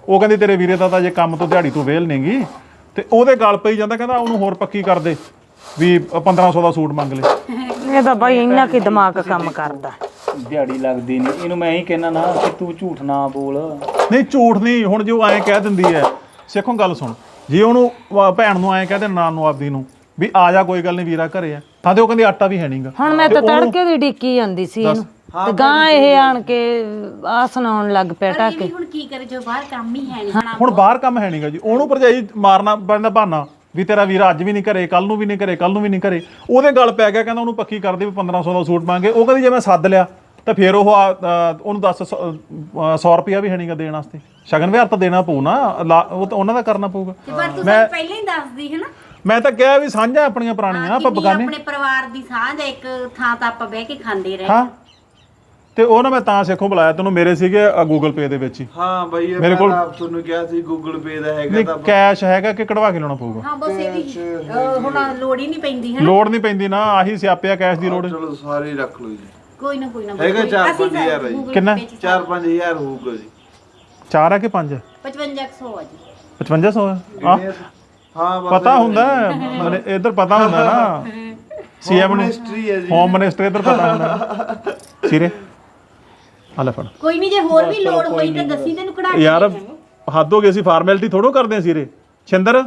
ਉਹ ਕਹਿੰਦੀ ਤੇਰੇ ਵੀਰੇ ਦਾ ਤਾਂ ਜੇ ਕੰਮ ਤੋਂ ਦਿਹਾੜੀ ਤੋਂ ਵੇਲ ਨਹੀਂਗੀ ਤੇ ਉਹਦੇ ਗੱਲ ਪਈ ਜਾਂਦਾ, ਕਹਿੰਦਾ ਉਹਨੂੰ ਹੋਰ ਪੱਕੀ ਕਰ ਦੇ ਵੀ 1500 ਦਾ ਸੂਟ ਮੰਗ ਲੈ। ਇਹ ਤਾਂ ਬਾਈ ਇੰਨਾ ਕੀ ਦਿਮਾਗ ਕੰਮ ਕਰਦਾ। ਦਿਹਾੜੀ ਲੱਗਦੀ ਨਹੀਂ ਇਹਨੂੰ, ਮੈਂ ਹੀ ਕਹਿਣਾ ਨਾ ਕਿ ਤੂੰ ਝੂਠ ਨਾ ਬੋਲ। ਨਹੀਂ ਝੂਠ ਨਹੀਂ, ਹੁਣ ਜੇ ਉਹ ਐਂ ਕਹਿ ਦਿੰਦੀ ਹੈ, ਸਿੱਖੋ ਗੱਲ ਸੁਣ, ਜੇ ਉਹਨੂੰ ਭੈਣ ਨੂੰ ਐਂ ਕਹਿ ਦੇ ਨਾਨ ਨੂੰ ਆਪਦੀ ਨੂੰ ਵੀ ਆ ਜਾ ਕੋਈ ਗੱਲ ਨਹੀਂ ਵੀਰਾ ਘਰੇ ਆ, ਤਾਂ ਤੇ ਉਹ ਕਹਿੰਦੀ ਆਟਾ ਵੀ ਹੈ ਨਹੀਂਗਾ। ਹੁਣ ਮੈਂ ਤਾਂ ਤੜਕੇ ਦੀ ਡਿੱਕੀ ਜਾਂਦੀ ਸੀ ਇਹਨੂੰ ਤੇ ਗਾਂ ਇਹ ਆਣ ਕੇ ਆ ਸੁਣਾਉਣ ਲੱਗ ਪਿਆ ਪਰ ਇਹ ਟਾਕੇ। ਵੀ ਹੁਣ ਕੀ ਕਰੇ ਜੋ ਬਾਹਰ ਕੰਮ ਹੀ ਹੈ ਨਹੀਂ। ਹੁਣ ਬਾਹਰ ਕੰਮ ਹੈ ਨਹੀਂਗਾ ਜੀ, ਉਹਨੂੰ ਭਰਜਾਈ ਮਾਰਨਾ ਪੈਂਦਾ ਬਹਾਨਾ ਵੀ ਤੇਰਾ ਵੀਰਾ ਅੱਜ ਵੀ ਨਹੀਂ ਘਰੇ, ਕੱਲ ਨੂੰ ਵੀ ਨਹੀਂ ਘਰੇ, ਕੱਲ ਨੂੰ ਵੀ ਨਹੀਂ ਘਰੇ। ਉਹਦੇ ਗੱਲ ਪੈ ਗਿਆ, ਕਹਿੰਦਾ ਉਹਨੂੰ ਪੱਕੀ ਕਰ ਦੇ ਵੀ 1500 ਦਾ ਸੂਟ ਮੰਗੇ। ਉਹ ਕਹਿੰਦੀ ਜੇ ਮੈਂ ਸੱਦ ਲਿਆ ਤਾਂ ਫਿਰ ਉਹ ਉਹਨੂੰ 100 ਰੁਪਇਆ ਵੀ ਹੈ ਨਹੀਂਗਾ ਦੇਣ ਵਾਸਤੇ। ਸ਼ਗਨ ਵਿਹਾਰ ਤਾਂ ਦੇਣਾ ਪਊ ਨਾ, ਉਹ ਤਾਂ ਉਹਨਾਂ ਦਾ ਕਰਨਾ ਪਊਗਾ। ਤੇ ਪਰ ਤੂੰ ਸਾਨੂੰ ਪਹਿਲਾਂ ਹੀ ਦੱਸਦੀ ਹੈ ਨਾ। ਮੈਂ ਤਾਂ ਕਿਹਾ ਵੀ ਸਾਂਝਾ ਆਪਣੀਆਂ ਪੁਰਾਣੀਆਂ ਆਪਾਂ ਬਗਾਨੇ। ਆਪਣੇ ਪਰਿਵਾਰ ਦੀ ਸਾਂਝ ਇੱਕ ਥਾਂ ਤਾਂ ਆਪਾਂ ਬਹਿ ਕੇ ਖਾਂਦੇ ਰਹੇ। ਹਾਂ ਤੇ ਉਹ ਨਾ ਮੈਂ ਤਾਂ ਸਿੱਖੋ ਬੁਲਾਇਆ ਤੈਨੂੰ, ਮੇਰੇ ਸੀਗੇ ਗੂਗਲ ਪੇ ਦੇ ਵਿੱਚ ਹੀ। ਹਾਂ ਬਾਈ ਇਹ ਮੇਰੇ ਕੋਲ ਆਪ ਤੁਹਾਨੂੰ ਕਿਹਾ ਸੀ ਗੂਗਲ ਪੇ ਦਾ ਹੈਗਾ ਨਹੀਂ ਤਾਂ ਕੈਸ਼ ਹੈਗਾ ਕਿ ਕਢਵਾ ਕੇ ਲਾਉਣਾ ਪਊਗਾ? ਹਾਂ ਬਸ ਇਹ ਵੀ ਹੁਣ ਲੋੜ ਹੀ ਨਹੀਂ ਪੈਂਦੀ ਹੈ। ਲੋੜ ਨਹੀਂ ਪੈਂਦੀ ਨਾ, ਆਹੀ ਸਿਆਪਿਆ ਕੈਸ਼ ਦੀ ਲੋੜ। ਚਲੋ ਸਾਰੇ ਰੱਖ ਲਓ ਜੀ। ਕੋਈ ਨਾ ਹੈਗਾ 4-5000 ਹੈ ਜੀ। ਕਿੰਨਾ? 4-5000 ਹੋਊਗਾ ਜੀ। 4 ਹੈ ਕਿ 5 ਹੈ? 5500 ਆ ਜੀ। 5500 ਹੈ? ਹਾਂ ਪਤਾ ਹੁੰਦਾ ਮੈਨੂੰ ਇੱਧਰ ਪਤਾ ਹੁੰਦਾ ਨਾ, ਸੀਐਮ ਨੂੰ ਮਿਨਿਸਟਰੀ ਹੈ ਜੀ। ਹੋਮ ਮਿਨਿਸਟਰ ਇੱਧਰ ਪਤਾ ਹੁੰਦਾ। ਸਿਰੇ ਆ ਲੈ ਫੜ ਕੋਈ ਨਹੀਂ ਜੇ ਹੋਰ ਵੀ ਲੋੜ ਹੋਈ ਤਾਂ ਦੱਸੀ ਤੈਨੂੰ ਕਢਾ ਕੇ ਯਾਰ, ਦੇ ਦਾਂਗੇ। ਹੱਦ ਹੋ ਗਈ, ਅਸੀਂ ਫਾਰਮੈਲਿਟੀ ਥੋੜੋ ਕਰਦੇ ਆ ਸਿਰੇ। ਛਿੰਦਰ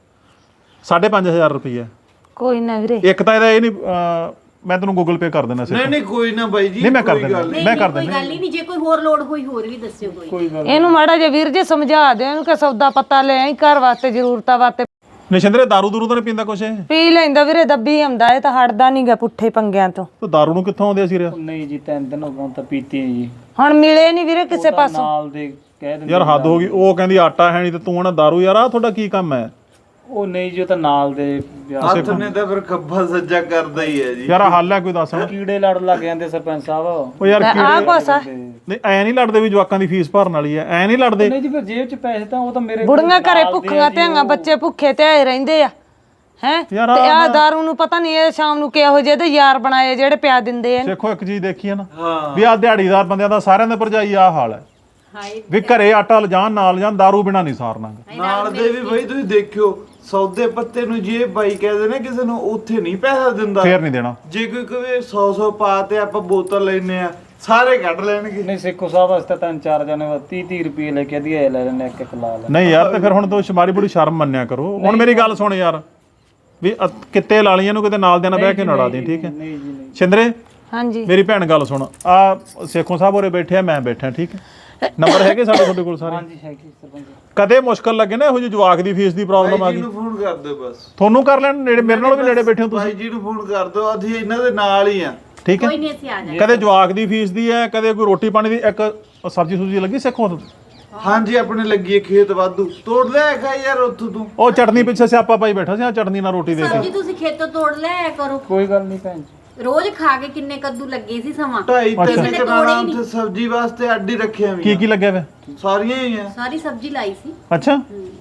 5500 ਰੁਪਏ ਕੋਈ ਨਾ ਵੀਰੇ, ਇੱਕ ਤਾਂ ਇਹਦਾ ਇਹ ਨਹੀਂ, ਮੈਂ ਤੈਨੂੰ ਗੂਗਲ ਪੇ ਕਰ ਦੇਣਾ ਸੀ। ਨਹੀਂ ਨਹੀਂ ਕੋਈ ਨਾ ਬਾਈ ਜੀ, ਨਹੀਂ ਮੈਂ ਕਰ ਕੋਈ ਦੇਣਾ, ਗੱਲ ਨਹੀਂ। ਮੈਂ ਕਰ ਕੋਈ ਦੇਣਾ। ਗੱਲ ਹੀ ਨਹੀਂ, ਜੇ ਕੋਈ ਹੋਰ ਲੋੜ ਹੋਈ ਹੋਰ ਵੀ ਦੱਸਿਓ ਕੋਈ। ਇਹਨੂੰ ਮਾੜਾ ਜਿਹਾ ਵੀਰ ਜੀ ਸਮਝਾ ਦਿਓ ਇਹਨੂੰ ਕਿ ਸੌਦਾ ਪਤਾ ਲੈ ਆਈ, ਘਰ ਵਾਸਤੇ ਜ਼ਰੂਰਤਾਂ ਵਾਸਤੇ। ਨਿਸ਼ਿੰਦਰੇ ਦਾਰੂ ਦੂਰੂ ਤਾਂ ਨਹੀਂ ਪੀਂਦਾ ਕੁਛ ਇਹ? ਪੀ ਲੈਂਦਾ ਵੀਰੇ, ਦੱਬੀ ਆਉਂਦਾ, ਇਹ ਤਾਂ ਹਟਦਾ ਨਹੀਂਗਾ ਪੁੱਠੇ ਪੰਗਿਆਂ ਤੋਂ। ਤੂੰ ਦਾਰੂ ਨੂੰ ਕਿੱਥੋਂ ਆਉਂਦੇ ਸੀ ਰਿਆ? ਨਹੀਂ ਜੀ 3 ਦਿਨ ਹੋ ਗਏ ਤਾਂ ਪੀਤੀ ਜੀ। ਹੁਣ ਮਿਲੇ ਨਹੀਂ ਵੀਰੇ ਕਿਸੇ ਪਾਸੋਂ। ਨਾਲ ਦੇ ਕਹਿ ਦਿੰਦੇ ਯਾਰ ਹੱਦ ਹੋ ਗਈ, ਉਹ ਕਹਿੰਦੀ ਆਟਾ ਹੈ ਨਹੀਂ ਤੇ ਤੂੰ ਨਾ ਦਾਰੂ। ਯਾਰ ਆ ਤੁਹਾਡਾ ਕੀ ਕੰਮ ਹੈ? ਉਹ ਨਹੀਂ ਜੀ, ਉਹ ਤਾਂ ਨਾਲ ਦੇ ਹੱਥ ਨੇ ਤਾਂ ਫਿਰ ਖੱਬਾ ਸੱਜਾ ਕਰਦਾ ਹੀ ਹੈ ਜੀ। ਯਾਰ ਹੱਲ ਹੈ ਕੋਈ ਦੱਸ। ਕੀੜੇ ਲੜ ਲੱਗ ਜਾਂਦੇ ਸਰਪੰਚ ਸਾਹਿਬ। ਉਹ ਯਾਰ ਆ ਕੋਸਾ ਨਹੀਂ ਐ ਨਹੀਂ ਲੜਦੇ ਵੀ ਜਵਾਕਾਂ ਦੀ ਫੀਸ ਭਰਨ ਵਾਲੀ ਐ, ਐ ਨਹੀਂ ਲੜਦੇ। ਨਹੀਂ ਜੀ ਫਿਰ ਜੇਬ 'ਚ ਪੈਸੇ ਤਾਂ ਉਹ ਤਾਂ ਮੇਰੇ ਬੁੜੀਆਂ ਘਰੇ ਭੁੱਖੀਆਂ ਧੀਆਂ, ਬੱਚੇ ਭੁੱਖੇ ਤੇ ਰਹਿੰਦੇ ਆ ਹੈ। ਤੇ ਆ ਦਾਰੂ ਨੂੰ ਪਤਾ ਨਹੀਂ ਇਹ ਸ਼ਾਮ ਨੂੰ ਕਿਹੋ ਜਿਹੇ ਦੇ ਯਾਰ ਬਣਾਏ ਜਿਹੜੇ ਪਿਆ ਦਿੰਦੇ ਆ। ਦੇਖੋ ਇੱਕ ਚੀਜ਼ ਦੇਖੀ ਹੈ ਨਾ ਵੀ ਆ ਦਿਹਾੜੀਦਾਰ ਬੰਦਿਆਂ ਦਾ ਸਾਰਿਆਂ ਦੇ ਭਰਜਾਈ ਆ ਹਾਲ ਹੈ ਵੀ ਘਰੇ ਆਟਾ ਲਿਜਾਣ ਨਾਲ ਜਾਣ, ਦਾਰੂ ਬਿਨਾ ਨਹੀਂ ਸਾਰਨਾ। ਨਾਲ ਦੇ ਵੀ ਬਾਈ ਤੁਸੀਂ ਦੇਖਿਓ ਸੌਦੇ ਪੱਤੇ ਨੂੰ ਜੇ ਬਾਈ ਕਹਿੰਦੇ ਨੇ ਕਿਸੇ ਨੂੰ ਉੱਥੇ ਨਹੀਂ ਪੈਸਾ ਦਿੰਦਾ, ਫੇਰ ਨਹੀਂ ਦੇਣਾ। ਜੇ ਕੋਈ ਕਵੇ 100 ਪਾ ਤੇ ਆਪਾਂ ਬੋਤਲ ਲੈਨੇ ਆ ਸਾਰੇ ਕੱਢ ਲੈਣਗੇ। ਨਹੀਂ ਸਿੱਖੋ ਸਾਹਿਬ ਵਾਸਤੇ 3-4 ਜਣੇ 30-30 ਰੁਪਏ ਲੈ ਕੇ ਦਿਏ ਲੈ ਲੈਣੇ, ਇੱਕ ਲਾ ਲੈ। ਨਹੀਂ ਯਾਰ ਤੇ ਫਿਰ ਹੁਣ ਤੂੰ ਮਾੜੀ ਬੜੀ ਸ਼ਰਮ ਮੰਨਿਆ ਕਰੋ। ਹੁਣ ਮੇਰੀ ਗੱਲ ਸੁਣ ਯਾਰ, ਵੀ ਕਿੱਤੇ ਲਾਲੀਆਂ ਨੂੰ ਕਿਤੇ ਨਾਲ ਦੇ ਨਾਲ ਬਹਿ ਕੇ ਨੜਾ ਦੇ, ਠੀਕ ਹੈ? ਨਹੀਂ ਜੀ ਨਹੀਂ। ਛਿੰਦਰੇ ਹਾਂਜੀ ਮੇਰੀ ਭੈਣ ਗੱਲ ਸੁਣ, ਆ ਸੇਖੋਂ ਸਾਹਿਬ ਹੋਰੇ ਬੈਠੇ ਆ, ਮੈਂ ਬੈਠਾ, ਠੀਕ ਹੈ? ਨੰਬਰ ਹੈਗੇ ਸਾਡੇ ਤੁਹਾਡੇ ਕੋਲ ਸਾਰੇ? ਹਾਂਜੀ ਹੈਗੀ ਸਰਪੰਚ। ਕਦੇ ਮੁਸ਼ਕਲ ਲੱਗੇ ਨਾ ਇਹੋ ਜਿਹੀ ਜਵਾਕ ਦੀ ਫੀਸ ਦੀ ਪ੍ਰੋਬਲਮ ਆ ਬਾਈ ਜੀ ਗਈ, ਨੂੰ ਫੋਨ ਕਰ ਦਿਓ ਬਸ। ਤੁਹਾਨੂੰ ਕਰ ਲੈਣ ਨੇੜੇ, ਮੇਰੇ ਨਾਲ ਵੀ ਨੇੜੇ ਬੈਠੇ ਹੋ ਤੁਸੀਂ, ਬਾਈ ਜੀ ਨੂੰ ਫੋਨ ਕਰ ਦਿਓ, ਅਸੀਂ ਇਹਨਾਂ ਦੇ ਨਾਲ ਹੀ ਆ। ਠੀਕ ਹੈ? ਕੋਈ ਨਹੀਂ ਅਸੀਂ ਆ ਜਾਵਾਂਗੇ। ਕਦੇ ਜਵਾਕ ਦੀ ਫੀਸ ਦੀ ਹੈ, ਕਦੇ ਕੋਈ ਰੋਟੀ ਪਾਣੀ ਦੀ। ਇੱਕ ਸਬਜ਼ੀ ਸੁਬਜ਼ੀ ਲੱਗੀ ਸਿੱਖੋ? ਹਾਂਜੀ ਆਪਣੇ ਲੱਗੀ ਹੈ ਖੇਤ ਵਾਧੂ, ਤੋੜ ਲਿਆ ਖਾ ਯਾਰ ਉੱਥੋਂ ਤੂੰ। ਉਹ ਚਟਨੀ ਪਿੱਛੇ ਸਿਆਪਾ ਪਾਈ ਬੈਠਾ ਸੀ, ਆ ਚਟਨੀ ਨਾਲ ਰੋਟੀ ਦੇ ਸਬਜ਼ੀ ਕੇ। ਤੁਸੀਂ ਖੇਤੋਂ ਤੋੜ ਲਿਆ ਕਰੋ। ਕੋਈ ਗੱਲ ਨਹੀਂ ਭੈਣ ਜੀ। ਰੋਜ਼ ਖਾ ਕੇ ਕਿੰਨੇ ਕੱਦੂ ਲੱਗੇ ਸੀ ਸਮਾਂ। 2.5-3 ਕਨਾਲਾਂ ਉੱਥੇ ਸਬਜ਼ੀ ਵਾਸਤੇ ਅੱਡੀ ਰੱਖਿਆ ਵੀ ਕੀ ਕੀ ਲੱਗਿਆ ਵੇ? ਸਾਰੀਆਂ ਹੀ ਆ। ਸਾਰੀ ਸਬਜ਼ੀ ਲਾਈ ਸੀ। ਅੱਛਾ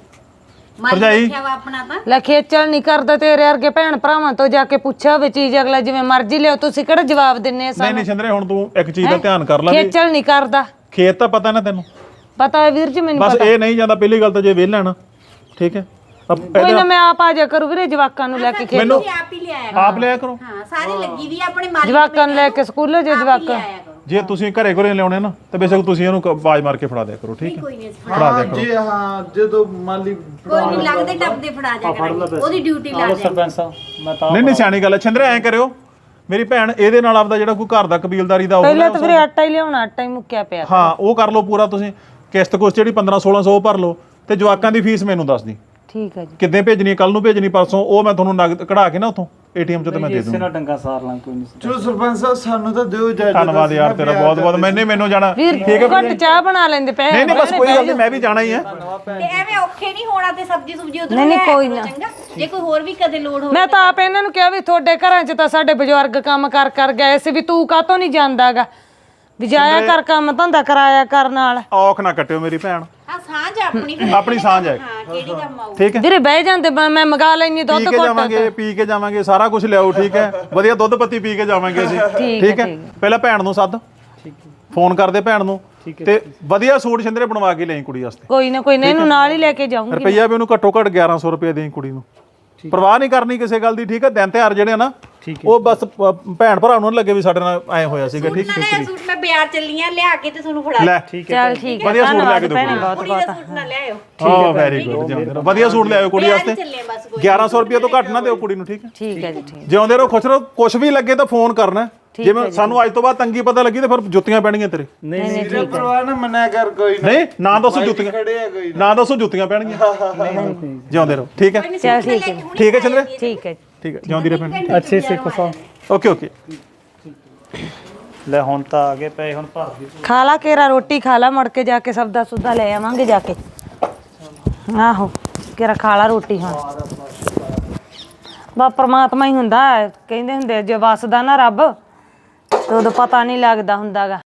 ਮਾਰੀ ਭਰਜਾਈ। ਰੱਖਿਆ ਵਾ ਆਪਣਾ ਤਾਂ। ਲੈ ਖੇਚਲ ਨਹੀਂ ਕਰਦਾ ਤੇਰੇ ਵਰਗੇ ਭੈਣ ਭਰਾਵਾਂ ਤੋਂ ਜਾ ਕੇ ਪੁੱਛਿਆ ਹੋਵੇ ਚੀਜ਼, ਅਗਲਾ ਜਿਵੇਂ ਮਰਜ਼ੀ ਲਿਓ, ਤੁਸੀਂ ਕਿਹੜਾ ਜਵਾਬ ਦਿੰਨੇ ਆ ਨਹੀਂ ਸਾਨੂੰ? ਨਹੀਂ ਛਿੰਦਰੇ, ਹੁਣ ਤੂੰ ਇੱਕ ਚੀਜ਼ ਦਾ ਧਿਆਨ ਕਰ ਲੈ ਵੀ ਖੇਚਲ ਨਹੀਂ ਕਰਦਾ। ਖੇਤ ਤਾਂ ਪਤਾ ਨਾ ਤੈਨੂੰ, ਪਤਾ ਹੈ ਵੀਰ ਜੀ ਮੈਨੂੰ ਬਸ ਪਤਾ। ਇਹ ਨਹੀਂ ਜਾਂਦਾ। ਪਹਿਲੀ ਗੱਲ ਤਾਂ ਜੇ ਵਿਹਲਾ ਨਾ, ਠੀਕ ਹੈ? ਕੋਈ ਨਾ ਮੈਂ ਆਪ ਆ ਜਾ ਕਰੂ ਵੀਰੇ, ਜਵਾਕਾਂ ਨੂੰ ਲੈ ਕੇ ਖੇਤ। ਮੈਨੂੰ ਤੁਸੀਂ ਆਪ ਹੀ ਲਿਆਇਆ ਆਪ ਲਿਆ ਕਰੋ। ਹਾਂ ਸਾਰੀ ਲੱਗੀ ਵੀ ਆ, ਆਪਣੇ ਮਾलिक ਜਵਾਕਾਂ ਨੂੰ ਲੈ ਕੇ ਸਕੂਲ ਜੇ ਜਵਾਕਾਂ। ਲਿਆਇਆ ਕਰੋ। ਜੇ ਤੁਸੀਂ ਘਰੇ ਘਰੇ ਲਿਆਉਣੇ ਨਾ ਤਾਂ ਬੇਸ਼ੱਕ ਤੁਸੀਂ ਇਹਨੂੰ ਆਵਾਜ਼ ਮਾਰ ਕੇ ਫੜਾ ਦਿਆ ਕਰੋ, ਠੀਕ ਹੈ? ਕੋਈ ਨਹੀਂ ਫੜਾ ਦਿਆ ਹਾਂ ਕਰੋ। ਜੇ ਹਾਂ ਜਦੋਂ ਮਾਲੀ ਕੋਈ ਨਹੀਂ ਲੱਗਦੇ ਟੱਪਦੇ ਫੜਾ ਜਾ ਕਰਾਂਗੇ, ਉਹਦੀ ਡਿਊਟੀ ਲਾ ਆਲੋ ਜਾ। ਸਰਪੰਚ ਸਾਹਿਬ ਮੈਂ ਤਾਂ ਨਹੀਂ ਨਹੀਂ ਸਿਆਣੀ ਗੱਲ ਹੈ ਛਿੰਦਰੇ, ਐਂ ਕਰਿਓ ਮੇਰੀ ਭੈਣ, ਇਹਦੇ ਨਾਲ ਆਪਦਾ ਜਿਹੜਾ ਕੋਈ ਘਰ ਦਾ ਕਬੀਲਦਾਰੀ ਦਾ ਪਹਿਲਾਂ ਹੋਊਗਾ ਤਾਂ ਵੀਰੇ ਆਟਾ ਹੀ ਲਿਆਉਣਾ, ਆਟਾ ਹੀ ਮੁੱਕਿਆ ਪਿਆ। ਹਾਂ ਉਹ ਕਰ ਲਓ ਪੂਰਾ ਤੁਸੀਂ। ਕਿਸ਼ਤ ਕੁਸ਼ਤ ਜਿਹੜੀ 1500-1600 ਉਹ ਭਰ ਲਓ, ਤੇ ਜਵਾਕਾਂ ਦੀ ਫੀਸ ਮੈਨੂੰ ਦੱਸ ਦੀ ਠੀਕ ਹੈ ਜੀ। ਕਿੱਦਾਂ ਭੇਜਣੀ, ਕੱਲ ਨੂੰ ਭੇਜਣੀ, ਪਰਸੋਂ। ਉਹ ਮੈਂ ਤੁਹਾਨੂੰ ਨਗਦ ਕਢਾ ਕੇ ਨਾ ਉਥੋਂ ਏਟੀਐਮ ਚੋਂ ਤੇ ਮੈਂ ਦੇ ਇਸੇ ਦੂੰਗਾ। ਨਾਲ ਡੰਗਾ ਸਾਰ ਲਾਂ, ਕੋਈ ਨਹੀਂ। ਚਲੋ ਸਰਪੰਚ ਸਾਹਿਬ ਸਾਨੂੰ ਤਾਂ ਦਿਓ ਇਜਾਜ਼ਤ। ਧੰਨਵਾਦ ਯਾਰ ਤੇਰਾ ਬਹੁਤ ਬਹੁਤ। ਮੈਨੂੰ ਜਾਣਾ ਵੀਰ ਘੱਟ ਚਾਹ ਬਣਾ ਲੈਂਦੇ ਪਏ। ਨਹੀਂ ਨਹੀਂ ਬਸ ਕੋਈ ਗੱਲ ਨਹੀਂ, ਮੈਂ ਵੀ ਜਾਣਾ ਹੀ ਹੈ। ਤੇ ਐਵੇਂ ਔਖੇ ਨਹੀਂ ਹੋਣਾ ਤੇ ਸਬਜ਼ੀ ਸੁਬਜੀ ਉਧਰ ਨਹੀਂ, ਕੋਈ ਨਾ। ਚੰਗਾ ਜੇ ਕੋਈ ਹੋਰ ਵੀ ਕਦੇ ਲੋੜ ਹੋਵੇ। ਮੈਂ ਤਾਂ ਆਪ ਇਹਨਾਂ ਨੂੰ ਕਿਹਾ ਵੀ ਤੁਹਾਡੇ ਘਰਾਂ 'ਚ ਤਾਂ ਸਾਡੇ ਬਜ਼ੁਰਗ ਕੰਮ ਕਰ ਗਏ ਸੀ, ਵੀ ਤੂੰ ਕਾਹਤੋਂ ਨਹੀਂ ਜਾਂਦਾਗਾ, ਵੀ ਜਾਇਆ ਕਰ ਕੰਮ ਧੰਦਾ ਕਰਾਇਆ ਕਰ ਨਾਲ। ਔਖ ਨਾ ਕੱਟਿਓ ਮੇਰੀ ਭੈਣ, ਆ ਸਾਂਝ ਆਪਣੀ ਫਿਰ। ਆਪਣੀ ਸਾਂਝ ਹੈ, ਹਾਂ ਕਿਹੜੀ ਕੰਮ ਆਊ। ਠੀਕ ਹੈ? ਵੀਰੇ ਬਹਿ ਜਾਂਦੇ, ਮੈਂ ਮੰਗਾ ਲੈਣੀ ਦੁੱਧ ਪੀ ਕੇ ਘੁੱਟ। ਜਾਵਾਂਗੇ, ਪੀ ਕੇ ਜਾਵਾਂਗੇ, ਸਾਰਾ ਕੁਝ ਲਿਆਓ, ਠੀਕ ਹੈ? ਵਧੀਆ ਦੁੱਧ ਪੱਤੀ ਪੀ ਕੇ ਜਾਵਾਂਗੇ ਅਸੀਂ, ਠੀਕ ਹੈ? ਪਹਿਲਾਂ ਭੈਣ ਨੂੰ ਸੱਦ, ਫੋਨ ਕਰਦੇ ਭੈਣ ਨੂੰ ਤੇ ਵਧੀਆ ਸੂਟ ਛਿੰਦਰੇ ਬਣਵਾ ਕੇ ਲਈ ਕੁੜੀ ਵਾਸਤੇ। ਕੋਈ ਨਾ ਇਹਨੂੰ ਨਾਲ ਹੀ ਲੈ ਕੇ ਜਾਊਂਗੀ। ਰੁਪਈਆ ਵੀ ਉਹਨੂੰ ਘੱਟੋ ਘੱਟ 1100 ਰੁਪਏ ਦੇਈ ਕੁੜੀ ਨੂੰ। ਪਰਵਾਹ ਨਹੀਂ ਕਰਨੀ ਕਿਸੇ ਗੱਲ ਦੀ, ਠੀਕ ਹੈ। ਦਿਨ ਤਿਉਹਾਰ ਜਿਹੜੇ ਆ ਨਾ ਉਹ ਬਸ ਭੈਣ ਭਰਾ ਨੂੰ ਲੱਗੇ ਵੀ ਸਾਡੇ ਨਾਲ ਐ ਹੋਇਆ ਸੀਗਾ, ਠੀਕ ਹੈ। ਸੂਟ ਮੈਂ ਬਾਜ਼ਾਰ ਚੱਲੀ ਆ ਲਿਆ ਕੇ ਤੇ ਤੁਹਾਨੂੰ ਫੜਾ ਲੈ ਚੱਲ ਠੀਕ ਹੈ, ਵਧੀਆ ਸੂਟ ਲੈ ਕੇ ਦਿਓ ਭੈਣੇ ਬਹੁਤ ਕੁੜੀ ਦਾ ਸੂਟ ਨਾ ਲਿਆਇਓ। ਹਾਂ ਵੈਰੀ ਗੁੱਡ, ਵਧੀਆ ਸੂਟ ਲਿਆਓ ਕੁੜੀ ਵਾਸਤੇ। ਚੱਲੇ ਬਸ ਕੋਈ 1100 ਰੁਪਏ ਤੋਂ ਘੱਟ ਨਾ ਦਿਓ ਕੁੜੀ ਨੂੰ, ਠੀਕ ਹੈ। ਠੀਕ ਹੈ ਜੀ, ਠੀਕ। ਜਿਉਂਦੇ ਰਹੋ, ਖੁਸ਼ ਰਹੋ। ਕੁਝ ਵੀ ਲੱਗੇ ਤਾਂ ਫੋਨ ਕਰਨਾ। ਜਿਵੇਂ ਸਾਨੂੰ ਅੱਜ ਤੋਂ ਬਾਅਦ ਤੰਗੀ ਪਤਾ ਲੱਗੀ ਤੇ ਫਿਰ ਜੁੱਤੀਆਂ ਪੈਣਗੀਆਂ ਤੇਰੇ। ਨਹੀਂ ਠੀਕ ਹੈ। ਪਰਵਾਹ ਨਾ ਮੰਨਿਆ ਕਰ ਕੋਈ ਨਾ। ਨਹੀਂ ਨਾ ਦੱਸੋ ਜੁੱਤੀਆਂ, ਖੜੇ ਆ ਕੋਈ ਨਾ ਦੱਸੋ ਜੁੱਤੀਆਂ ਪੈਣਗੀਆਂ। ਜਿਉਂਦੇ ਰਹੋ, ਠੀਕ ਹੈ। ਚੱਲ ਠੀਕ ਹੈ, ਠੀਕ ਹੈ ਚੰਦਰੇ, ਠੀਕ ਹੈ। ਠੀਕ ਹੈ। ਜਿਉਂਦੀ ਰਹੇ ਭੈਣ। ਅੱਛੇ ਸੇ ਕਸਾ। Okay okay. ਲੈ ਹੁਣ ਤਾਂ ਆ ਗਏ ਪਏ, ਹੁਣ ਭਰ ਦੀ ਖਾ ਲਾ ਕੇਰਾ ਰੋਟੀ, ਖਾ ਲਾ, ਮੁੜ ਕੇ ਜਾ ਕੇ ਸਬਦਾ ਸੁਦਾ ਲੈ ਆਵਾਂਗੇ ਜਾ ਕੇ। ਆਹੋ ਕੇਰਾ ਖਾ ਲਾ ਰੋਟੀ ਹੁਣ। ਬਾ ਪਰਮਾਤਮਾ ਹੀ ਹੁੰਦਾ, ਕਹਿੰਦੇ ਹੁੰਦੇ ਜੇ ਵਸਦਾ ਨਾ ਰੱਬ ਤੇ ਉਦੋਂ ਪਤਾ ਨਹੀਂ ਲੱਗਦਾ ਹੁੰਦਾਗਾ।